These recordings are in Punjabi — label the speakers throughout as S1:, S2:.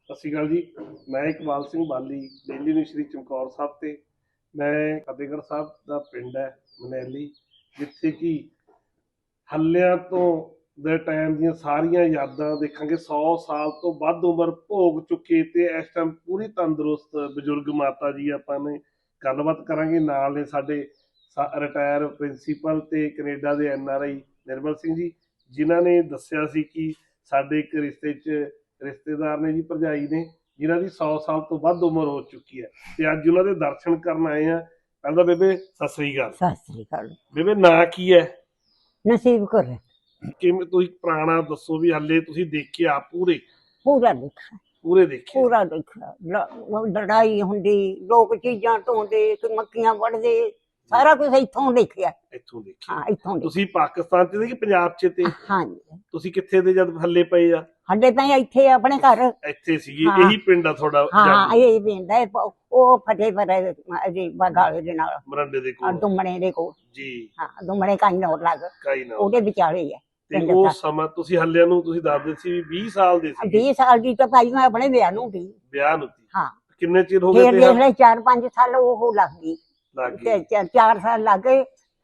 S1: ਸਤਿ ਸ਼੍ਰੀ ਅਕਾਲ ਜੀ। ਮੈਂ ਇਕਬਾਲ ਸਿੰਘ ਬਾਲੀ, ਡੇਲੀ ਨਿਊਜ਼ ਸ਼੍ਰੀ ਚਮਕੌਰ ਸਾਹਿਬ ਤੇ ਮੈਂ ਫਤਿਹਗੜ੍ਹ ਸਾਹਿਬ ਦਾ ਪਿੰਡ ਹੈ ਮਨੈਲੀ, ਜਿੱਥੇ ਕਿ ਹੱਲਿਆਂ ਤੋਂ ਦੇ ਟਾਈਮ ਦੀਆਂ ਸਾਰੀਆਂ ਯਾਦਾਂ ਦੇਖਾਂਗੇ। 100 ਸਾਲ ਤੋਂ ਵੱਧ ਉਮਰ ਭੋਗ ਚੁੱਕੇ ਤੇ ਇਸ ਟਾਈਮ ਪੂਰੀ ਤੰਦਰੁਸਤ ਬਜ਼ੁਰਗ ਮਾਤਾ ਜੀ ਆਪਾਂ ਨੇ ਗੱਲਬਾਤ ਕਰਾਂਗੇ। ਨਾਲ ਨੇ ਸਾਡੇ ਰਿਟਾਇਰ ਪ੍ਰਿੰਸੀਪਲ ਤੇ ਕੈਨੇਡਾ ਦੇ NRI ਨਿਰਮਲ ਸਿੰਘ ਜੀ, ਜਿਨ੍ਹਾਂ ਨੇ ਦੱਸਿਆ ਸੀ ਕਿ ਸਾਡੇ ਇੱਕ ਰਿਸ਼ਤੇਦਾਰ ਨੇ ਜੀ, ਭਰਜਾਈ ਨੇ, ਜਿਨ੍ਹਾਂ ਦੀ 100 ਸਾਲ ਤੋਂ ਵੱਧ ਉਮਰ ਹੋ ਚੁੱਕੀ ਹੈ ਤੇ ਅੱਜ ਉਹਨਾਂ ਦੇ ਦਰਸ਼ਨ ਕਰਨ ਆਏ ਆ। ਪਹਿਲਾਂ ਬੇਬੇ ਸਤਿ ਸ੍ਰੀ ਅਕਾਲ।
S2: ਸਤਿ ਸ੍ਰੀ ਅਕਾਲ।
S1: ਬੇਬੇ ਨਾਂ ਕੀ ਹੈ?
S2: ਨਸੀਬ ਕਰ
S1: ਕਿਵੇਂ ਤੁਸੀਂ ਪੁਰਾਣਾ ਦੱਸੋ ਵੀ ਹੱਲੇ ਤੁਸੀਂ ਦੇਖਿਆ ਪੂਰੇ
S2: ਪੂਰਾ ਦੇਖਿਆ,
S1: ਪੂਰੇ ਦੇਖਿਆ?
S2: ਪੂਰਾ ਦੇਖਿਆ। ਲੜਾਈ ਹੁੰਦੀ, ਲੋਕ ਚੀਜ਼ਾਂ ਢੋਂਦੇ, ਮੱਕੀਆਂ ਵੱਢਦੇ, ਸਾਰਾ ਕੁਝ ਇੱਥੋਂ ਦੇਖਿਆ।
S1: ਇੱਥੋਂ ਦੇਖਿਆ?
S2: ਹਾਂ, ਇੱਥੋਂ ਦੇਖਿਆ।
S1: ਤੁਸੀਂ ਪਾਕਿਸਤਾਨ ਚ ਕਿ ਪੰਜਾਬ ਚ? ਤੇ
S2: ਹਾਂਜੀ,
S1: ਤੁਸੀਂ ਕਿੱਥੇ ਦੇ ਜਦ ਹੱਲੇ ਪਏ ਆ?
S2: ਸਾਡੇ ਤਾਂ ਇੱਥੇ ਆਪਣੇ ਘਰ
S1: ਇੱਥੇ ਸੀਗੀ।
S2: ਹਾਂ।
S1: ਇਹੀ ਪਿੰਡ ਆ ਤੁਹਾਡਾ?
S2: ਹਾਂ, ਇਹ ਪਿੰਡ ਹੈ। ਉਹ ਫਤਿਹਪੁਰ ਜੀ ਬਗਾਲੇ ਦੇ ਨਾਲ,
S1: ਮਰੰਡੇ ਦੇ ਕੋਲ,
S2: ਦੁੰਮਣੇ ਦੇ ਕੋਲ
S1: ਜੀ।
S2: ਹਾਂ, ਦੁੰਮਣੇ ਕਾਈ ਨੌਰ ਲੱਗ,
S1: ਕਾਈ ਨਾ
S2: ਉਹਦੇ ਵਿਚਾਲੇ ਹੈ।
S1: ਤੇ ਉਹ ਸਮਾਂ ਤੁਸੀਂ ਹੱਲਿਆਂ ਨੂੰ ਤੁਸੀਂ ਦੱਸਦੇ ਸੀ ਵੀ 20 ਸਾਲ ਦੇ ਸੀ?
S2: 20 ਸਾਲ ਦੀ ਤਾਂ ਭਾਈ ਮੈਂ ਆਪਣੇ ਵਿਆਹ ਨੂੰ ਗਈ।
S1: ਵਿਆਹ ਨੂੰ?
S2: ਹਾਂ।
S1: ਕਿੰਨੇ ਚਿਰ ਹੋ
S2: ਫਿਰ
S1: ਗਏ?
S2: ਦੇਖ ਲੈ 4-5 ਸਾਲ ਉਹ ਲੱਗ ਗਈ।
S1: ਲੱਗ ਗਏ।
S2: 4 ਸਾਲ ਲੱਗ ਗਏ।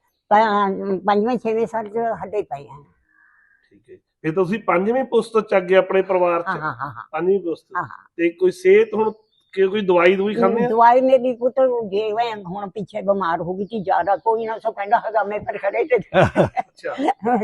S2: 5ਵੇਂ-6ਵੇਂ ਸਾਲ ਚ ਹੱਡੇ ਪਏ ਆ।
S1: ਠੀਕ ਹੈ। ਫਿਰ ਤੁਸੀਂ 5ਵੀਂ ਪੁਸਤ ਚ ਅੱਗੇ ਆਪਣੇ ਪਰਿਵਾਰ ਚ?
S2: ਹਾਂ ਹਾਂ ਹਾਂ
S1: 5ਵੀਂ ਪੁਸਤ।
S2: ਹਾਂ।
S1: ਤੇ ਕੋਈ ਸਿਹਤ ਹੁਣ ਕੋਈ ਦਵਾਈ ਖਾਂਦੇ ਆ?
S2: ਦਵਾਈ ਮੇਰੀ ਪੁੱਤ ਜੇ ਹੁਣ ਪਿੱਛੇ ਬਿਮਾਰ ਹੋ ਗਈ ਸੀ ਜ਼ਿਆਦਾ, ਕੋਈ ਨਾ ਸੋ ਕਹਿੰਦਾ ਹੈਗਾ ਮੈਂ ਫਿਰ ਖੜੇ ਤੇ
S1: ਅੱਛਾ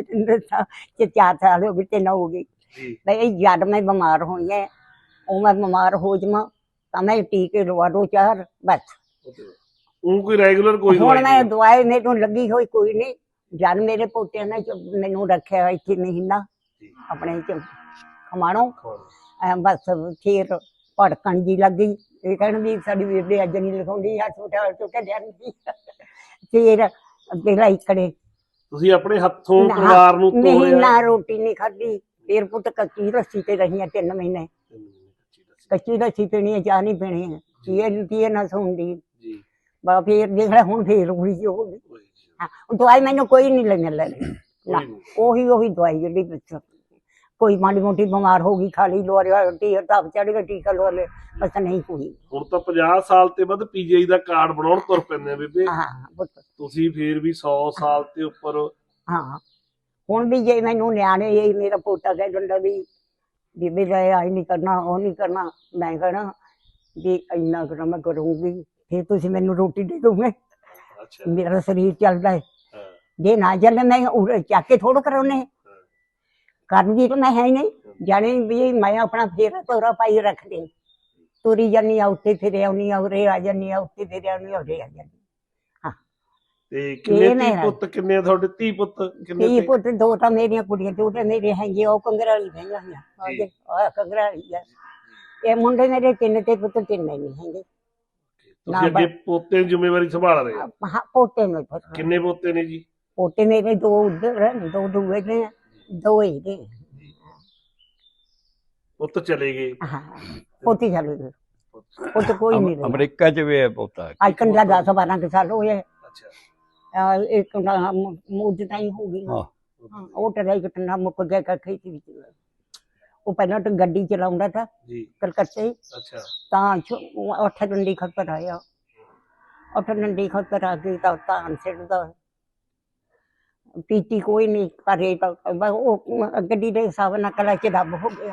S2: 4 ਸਾਲ ਹੋ ਗਏ, 3 ਹੋ ਗਈ
S1: ਜੀ।
S2: ਬਈ ਜਦ ਮੈਂ ਬਿਮਾਰ ਹੋਈ ਹੈ, ਉਹ ਮੈਂ ਬਿਮਾਰ ਹੋ ਜਾਵਾਂ ਤਾਂ ਮੈਂ ਟੀਕੇ ਲਵਾ ਦੋ 4 ਬਸ।
S1: ਉਹ ਕੋਈ ਰੈਗੂਲਰ ਕੋਈ
S2: ਹੁਣ ਮੈਂ ਦਵਾਈ ਮੈਨੂੰ ਲੱਗੀ ਹੋਈ ਕੋਈ ਨਹੀਂ। ਜਦ ਮੇਰੇ ਪੋਤਿਆਂ ਨੇ ਮੈਨੂੰ ਰੱਖਿਆ ਇੱਥੇ ਮਹੀਨਾ ਆਪਣੇ ਚ ਖਮਾਣੋ, ਬਸ ਫਿਰ ਭੜਕਣ ਜੀ ਲੱਗ ਗਈ। ਇਹ ਕਹਿਣ ਵੀ ਸਾਡੀ ਬੇਬੇ ਅੱਜ ਨਹੀਂ ਲਿਖਾਉਂਦੀ, ਹਸਪਤਾਲ ਤੋਂ ਕੱਢਿਆ ਨਹੀਂ। ਫਿਰ ਪਹਿਲਾਂ ਇਕੜੇ
S1: ਤੁਸੀਂ ਆਪਣੇ ਹੱਥੋਂ ਪਰਿਵਾਰ ਨੂੰ ਤੋਰਿਆ?
S2: ਮਹੀਨਾ ਰੋਟੀ ਨਹੀਂ ਖਾਧੀ। ਫਿਰ ਪੁੱਤ ਕੱਚੀ ਲੱਸੀ ਤੇ ਰਹੀਆਂ 3 ਮਹੀਨੇ। ਕੱਚੀ ਲੱਸੀ ਪੀਣੀ ਹੈ, ਚਾਹ ਨਹੀਂ ਪੀਣੀ ਹੈ। ਕੀ ਨਾ ਸੁਣਦੀ
S1: ਜੀ।
S2: ਬਾ ਫਿਰ ਦੇਖ ਲੈ ਹੁਣ ਫਿਰ ਉਹੀ ਹੋ ਗਈ। ਹਾਂ, ਦਵਾਈ ਮੈਨੂੰ ਕੋਈ ਨਹੀਂ ਲੈਣੀ ਨਾ, ਉਹੀ ਦਵਾਈ ਜਿਹੜੀ ਵਿੱਚ ਕੋਈ ਮਾੜੀ ਮੋਟੀ ਬਿਮਾਰ ਹੋ ਗਈ, ਖਾ ਲਈ, ਲਵਾ ਲਿਆ, ਧੱਪ ਚੜ ਗਿਆ, ਟੀਕਾ ਲਵਾ ਲਿਆ, ਬਸ ਨਹੀਂ ਕੋਈ।
S1: ਹੁਣ ਤਾਂ 50 ਸਾਲ ਤੇ ਵੱਧ PGI ਦਾ ਕਾਰਡ ਬਣਾਉਣ ਤੁਰ ਪੈਂਦੇ ਬੇਬੇ।
S2: ਹਾਂ,
S1: ਤੁਸੀਂ ਫੇਰ ਵੀ 100 ਸਾਲ ਤੇ ਉੱਪਰ।
S2: ਹਾਂ, ਹੁਣ ਵੀ ਜੇ ਮੈਨੂੰ ਨਿਆਣੇ, ਇਹ ਮੇਰਾ ਪੋਤਾ ਕਹਿ ਦਿੰਦਾ ਵੀ ਬੀਬੀ ਦਾ ਆਈ ਨਹੀਂ ਕਰਨਾ, ਉਹ ਨਹੀਂ ਕਰਨਾ, ਮੈਂ ਕਹਿਣਾ ਵੀ ਇੰਨਾ ਕਰਨਾ ਮੈਂ ਕਰੂੰਗੀ, ਫਿਰ ਤੁਸੀਂ ਮੈਨੂੰ ਰੋਟੀ ਦੇ ਦੋਗੇ। ਮੇਰਾ ਸਰੀਰ ਚੱਲਦਾ ਹੈ, ਜੇ ਨਾ ਚੱਲੇ ਮੈਂ ਚੱਕ ਕੇ ਥੋੜਾ ਕਰਾਉਨੇ ਕਰਨਗੀ ਤਾਂ ਮੈਂ ਹੈ ਹੀ ਨਹੀਂ। ਜਾਣੇ ਵੀ ਮੈਂ ਆਪਣਾ ਫੇਰ ਤੋਰਾ ਪਾਈ ਰੱਖਦੀ, ਤੁਰੀ ਜਾਨੀ ਆ, ਉੱਤੇ ਫਿਰ ਆਉਣੀ ਆ, ਉਰੇ ਆ ਜਾਨੀ ਆ, ਉੱਤੇ ਫਿਰ ਆਉਣੀ ਆ, ਉਰੇ ਆ ਜਾਨੀ। ਹਾਂ।
S1: ਤੇ ਕਿੰਨੇ ਪੁੱਤ? ਕਿੰਨੇ ਤੁਹਾਡੇ ਧੀ ਪੁੱਤ?
S2: ਧੀ ਪੁੱਤ 2 ਤਾਂ ਮੇਰੀਆਂ ਕੁੜੀਆਂ, 2 ਤਾਂ ਮੇਰੇ ਹੈਗੇ, ਉਹ ਕੰਗਰਾਲੀ ਬਹਿਆਂ ਹੋਈਆਂ, ਆਹ ਕੰਗਰਾਲੀ ਆ। ਇਹ ਮੁੰਡੇ ਮੇਰੇ 3 ਤੇ ਪੁੱਤ 3 ਨਹੀਂ ਹੈਗੇ।
S1: ਤੁਸੀਂ ਅੱਗੇ ਪੋਤੇ ਦੀ ਜ਼ਿੰਮੇਵਾਰੀ ਸੰਭਾਲ ਰਹੇ?
S2: ਹਾਂ, ਪੋਤੇ ਨੇ।
S1: ਕਿੰਨੇ ਪੋਤੇ ਨੇ ਜੀ?
S2: ਪੋਤੇ ਮੇਰੇ 2 ਉੱਧਰ, 2 ਦੂਏ ਨੇ, 2 ਇਹਦੇ।
S1: ਪੁੱਤ ਚਲੇ ਗਏ?
S2: ਹਾਂ, ਪੋਤੀ ਚਲੇ ਗਏ। ਪੁੱਤ ਕੋਈ ਨਹੀਂ।
S3: ਅਮਰੀਕਾ ਚ ਵੀ ਹੈ ਪੋਤਾ।
S2: ਅੱਜ ਕੰਦਾ 10-12 ਸਾਲ ਹੋਏ।
S1: ਅੱਛਾ।
S2: ਇੱਕ ਮੂਦ ਤਾਂ ਹੀ ਹੋ ਗਈ। ਉਹ ਟਰਾਈ ਕਿਤਨਾ ਮੁੱਕ ਗਿਆ ਕੱਖੇ ਸੀ। ਉਹ ਪਹਿਲਾਂ ਤਾਂ ਗੱਡੀ ਚਲਾਉਂਦਾ ਥਾ
S1: ਜੀ,
S2: ਕਲਕੱਤੇ।
S1: ਅੱਛਾ।
S2: ਤਾਂ 8 ਡੰਡੀ ਖੱਤਰ ਆਇਆ, 8 ਡੰਡੀ ਖੱਤਰ ਆ ਗਈ ਤਾਂ ਧਾਨ ਸਿੱਟਦਾ। ਪੀਤੀ ਕੋਈ ਨਹੀਂ ਘਰੇ, ਤਾਂ ਉਹ ਗੱਡੀ ਦੇ ਹਿਸਾਬ ਨਾਲ ਕਲਾ ਚ ਦੱਬ ਹੋ ਗਿਆ।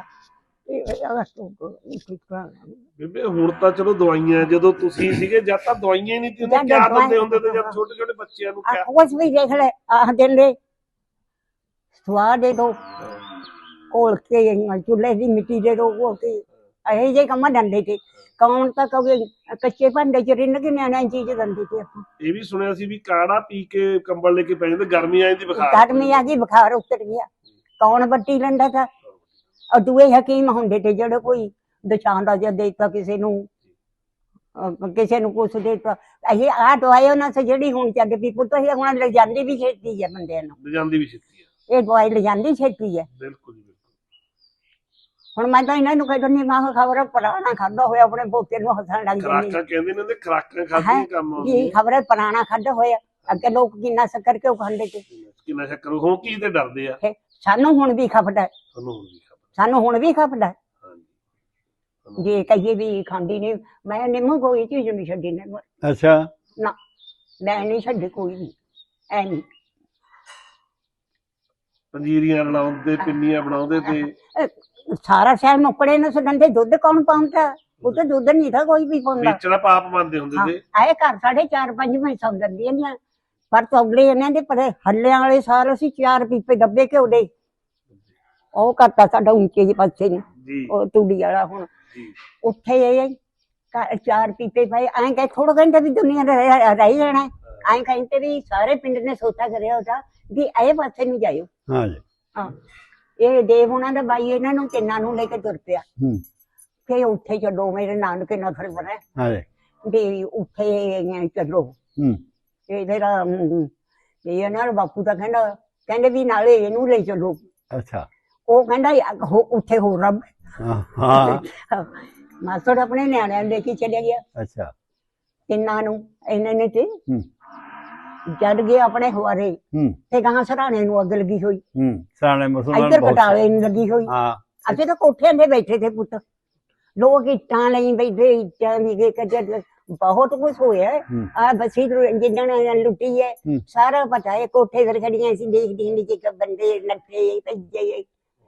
S1: ਬੇਬੇ ਹੁਣ ਤਾਂ ਚਲੋ ਦਵਾਈਆਂ, ਜਦੋਂ ਤੁਸੀਂ ਸੀਗੇ ਜਦ ਤਾਂ ਦਵਾਈਆਂ ਹੀ ਨਹੀਂ ਸੀ। ਕਿਆ ਦਿੰਦੇ ਹੁੰਦੇ ਤੇ ਜਦ ਛੋਟੇ ਛੋਟੇ ਬੱਚਿਆਂ ਨੂੰ?
S2: ਕੁਛ ਵੀ ਦੇਖ ਲੈ, ਆਹ ਦਿੰਦੇ ਸਵਾਹ ਦੇ ਦੋ, ਘੋਲ ਕੇ ਚੁੱਲ੍ਹੇ ਦੀ ਮਿੱਟੀ ਦੇ ਦੋ, ਘੋਲ ਕੇ ਇਹੋ ਜਿਹੇ ਕੰਮ ਦਿੰਦੇ ਤੇ। ਕੌਣ ਤਾਂ ਕਹੇ ਕੱਚੇ ਭਾਂਡੇ ਚ ਰਿੰਨ ਕੇ ਨਿਆਣਿਆਂ ਚੀਜ਼ ਦਿੰਦੇ ਤੇ ਆਪਾਂ। ਇਹ
S1: ਵੀ ਸੁਣਿਆ ਸੀ ਵੀ ਕਾੜਾ ਪੀ ਕੇ ਕੰਬਲ ਲੈ ਕੇ ਪੈ ਜਾਂਦੇ, ਗਰਮੀ ਆ ਜਾਂਦੀ, ਬੁਖਾਰ
S2: ਗਰਮੀ ਆ ਗਈ, ਬੁਖਾਰ ਉਤਰ ਗਿਆ। ਕੌਣ ਬੱਟੀ ਲੈਂਦਾ ਥਾ? ਦੂਏ ਹਕੀਮ ਹੁੰਦੇ ਤੇ ਜਿਹੜੇ ਕੋਈ ਦਸ਼ਾਂ ਦਾ ਜਾਂ ਦੇਤਾ ਕਿਸੇ ਨੂੰ, ਕਿਸੇ ਨੂੰ ਕੁਛ ਦੇਤਾ। ਇਹ ਆਹ ਦਵਾਈ ਉਹਨਾਂ ਸੇ ਜਿਹੜੀ ਹੁਣ ਚੱਲ ਪਈ ਪੁੱਤ, ਇਹ ਹੁਣ ਲਿਜਾਂਦੀ ਵੀ ਛੇਤੀ ਹੈ ਬੰਦਿਆਂ ਨੂੰ।
S1: ਲਿਜਾਂਦੀ ਵੀ ਛੇਤੀ ਹੈ
S2: ਇਹ ਦਵਾਈ ਲਿਜਾਂਦੀ ਛੇਤੀ ਹੈ।
S1: ਬਿਲਕੁਲ ਜੀ, ਬਿਲਕੁਲ।
S2: ਹੁਣ ਮੈਂ ਤਾਂ ਇਹਨਾਂ ਨੂੰ ਕਹਿ ਦਿੰਦੀ, ਮੈਂ ਖਬਰ ਪੁਰਾਣਾ ਖਾਧਾ ਹੋਇਆ, ਆਪਣੇ ਪੋਤੇ ਨੂੰ ਹੱਸਣ ਲੱਗ ਜਾਂਦੀ।
S1: ਖਰਾਕਾਂ ਕਹਿੰਦੇ ਨੇ, ਖਰਾਕਾਂ ਖਾਧੀਆਂ ਕੰਮ
S2: ਕੀ ਖਬਰ ਪੁਰਾਣਾ ਖਾਧਾ ਹੋਇਆ। ਅੱਗੇ ਲੋਕ ਕਿੰਨਾ ਸ਼ੱਕਰ ਕਿਉਂ ਖਾਂਦੇ ਸੀ,
S1: ਕਿੰਨਾ ਸ਼ੱਕਰ। ਹੁਣ ਕੀ ਤੇ ਡਰਦੇ ਆ?
S2: ਸਾਨੂੰ ਹੁਣ ਵੀ ਖਪਦਾ, ਸਾਨੂੰ ਹੁਣ ਵੀ ਖਪਦਾ। ਜੇ ਕਹੀਏ ਵੀ ਖਾਂਦੀ ਨਹੀਂ, ਮੈਂ ਨਿੰਮੂ ਕੋਈ ਚੀਜ਼ ਨਹੀਂ ਛੱਡੀ ਨਿੰਮੂ
S3: ਅੱਛਾ
S2: ਨਾ, ਮੈਂ ਨਹੀਂ ਛੱਡੀ ਕੋਈ ਵੀ ਐ ਨਹੀਂ।
S1: ਪੰਜੀਰੀਆਂ ਬਣਾਉਂਦੇ, ਪਿੰਨੀਆਂ ਬਣਾਉਂਦੇ ਤੇ
S2: ਸਾਰਾ ਸ਼ਹਿਰ ਮੁੱਕੜੇ ਨੂੰ ਸਡੰਦੇ ਦੁੱਧ ਕੌਣ ਪਾਉਂਦਾ? ਉਹ ਤਾਂ ਦੁੱਧ ਨਹੀਂ ਥਾ ਕੋਈ ਵੀ ਪਾਉਂਦਾ।
S1: ਵੇਚਣਾ ਪਾਪ ਮੰਨਦੇ ਹੁੰਦੇ ਤੇ।
S2: ਆਏ ਘਰ ਸਾਡੇ 4-5 ਮੈਸਾਂ ਦਿੰਦੀਆਂ ਨੇ, ਪਰ ਤੌਲੇ ਇਹਨਾਂ ਦੇ ਪਰ ਹੱਲਿਆਂ ਵਾਲੇ ਸਾਰ ਅਸੀਂ 4 ਪੀਪੇ ਡੱਬੇ ਘਿਓ ਦੇ ਉਹ ਕਰਤਾ ਸਾਡਾ ਉੱਚੇ ਜਿਹੇ ਪਾਸੇ ਨੂੰ,
S1: ਜੀ
S2: ਉਹ ਤੂੜੀ ਵਾਲਾ। ਹੁਣ
S1: ਜੀ
S2: ਉੱਥੇ ਇਹ 4 ਪੀਪੇ ਪਏ, ਐਂ ਕਹੇ ਥੋੜਾ ਘੰਟੇ ਦੀ ਦੁਨੀਆ ਰਹਿ ਜਾਣਾ, ਐਂ ਕਹਿੰਦੇ ਵੀ ਸਾਰੇ ਪਿੰਡ ਨੇ ਸੋਚਾ ਕਰਿਆ ਉਹਦਾ ਵੀ ਇਹ ਪਾਸੇ ਨੂੰ ਜਾਇਓ।
S3: ਹਾਂ ਜੀ
S2: ਹਾਂ, ਇਹ ਦੇਵ ਉਹਨਾਂ ਦਾ ਬਾਈ ਇਹਨਾਂ ਨੂੰ ਤਿੰਨਾਂ ਨੂੰ ਲੈ ਕੇ ਤੁਰ ਪਿਆ ਕਿ ਉੱਥੇ ਚੱਲੋ, ਮੇਰੇ ਨਾਨਕੇ ਨਫਰ ਬਣਾ
S3: ਹਾਂ ਜੀ
S2: ਵੀ ਉੱਥੇ ਚੱਲੋ। ਇਹਦੇ ਇਹ ਇਹਨਾਂ ਦਾ ਬਾਪੂ ਤਾਂ ਕਹਿੰਦੇ ਵੀ ਨਾਲੇ ਇਹਨੂੰ ਲੈ ਚੱਲੋ।
S3: ਅੱਛਾ
S2: ਉਹ ਕਹਿੰਦਾ ਉੱਥੇ ਹੋਰ ਰੱਬ।
S3: ਹਾਂ
S2: ਮਾਸੜ ਆਪਣੇ ਨਿਆਣਿਆਂ ਨੂੰ ਲੈ ਕੇ ਚਲੇ ਗਿਆ
S3: ਅੱਛਾ
S2: ਤਿੰਨਾਂ ਨੂੰ। ਇਹਨਾਂ ਨੇ ਤੇ ਜਦ ਗਏ ਆਪਣੇ ਹੁਆਰੇ ਤੇ ਗਾਂ ਸਰਾਣੇ ਨੂੰ ਅੱਗ ਲੱਗੀ ਹੋਈ,
S3: ਸਰਾਣੇ ਮੁਸਲਮਾਨ
S2: ਇੱਧਰ ਕਟਾਲੇ ਨੂੰ ਲੱਗੀ ਹੋਈ।
S3: ਹਾਂ
S2: ਅਸੀਂ ਤਾਂ ਕੋਠਿਆਂ ਤੇ ਬੈਠੇ ਥੇ ਪੁੱਤ, ਲੋਕ ਇੱਟਾਂ ਲਈ ਬੈਠੇ, ਇੱਟਾਂ ਦੀ ਕਦਰ ਬਹੁਤ ਕੁਝ ਹੋਇਆ। ਆ ਬਸੀ ਜਿੱਦਣ ਲੁੱਟੀ ਹੈ ਸਾਰਾ ਪਤਾ ਹੈ। ਕੋਠੇ ਫਿਰ ਖੜੀਆਂ ਸੀ ਦੇਖਦੀਆਂ ਨੀਚੇ ਬੰਦੇ ਨੱਠੇ ਭੱਜੇ।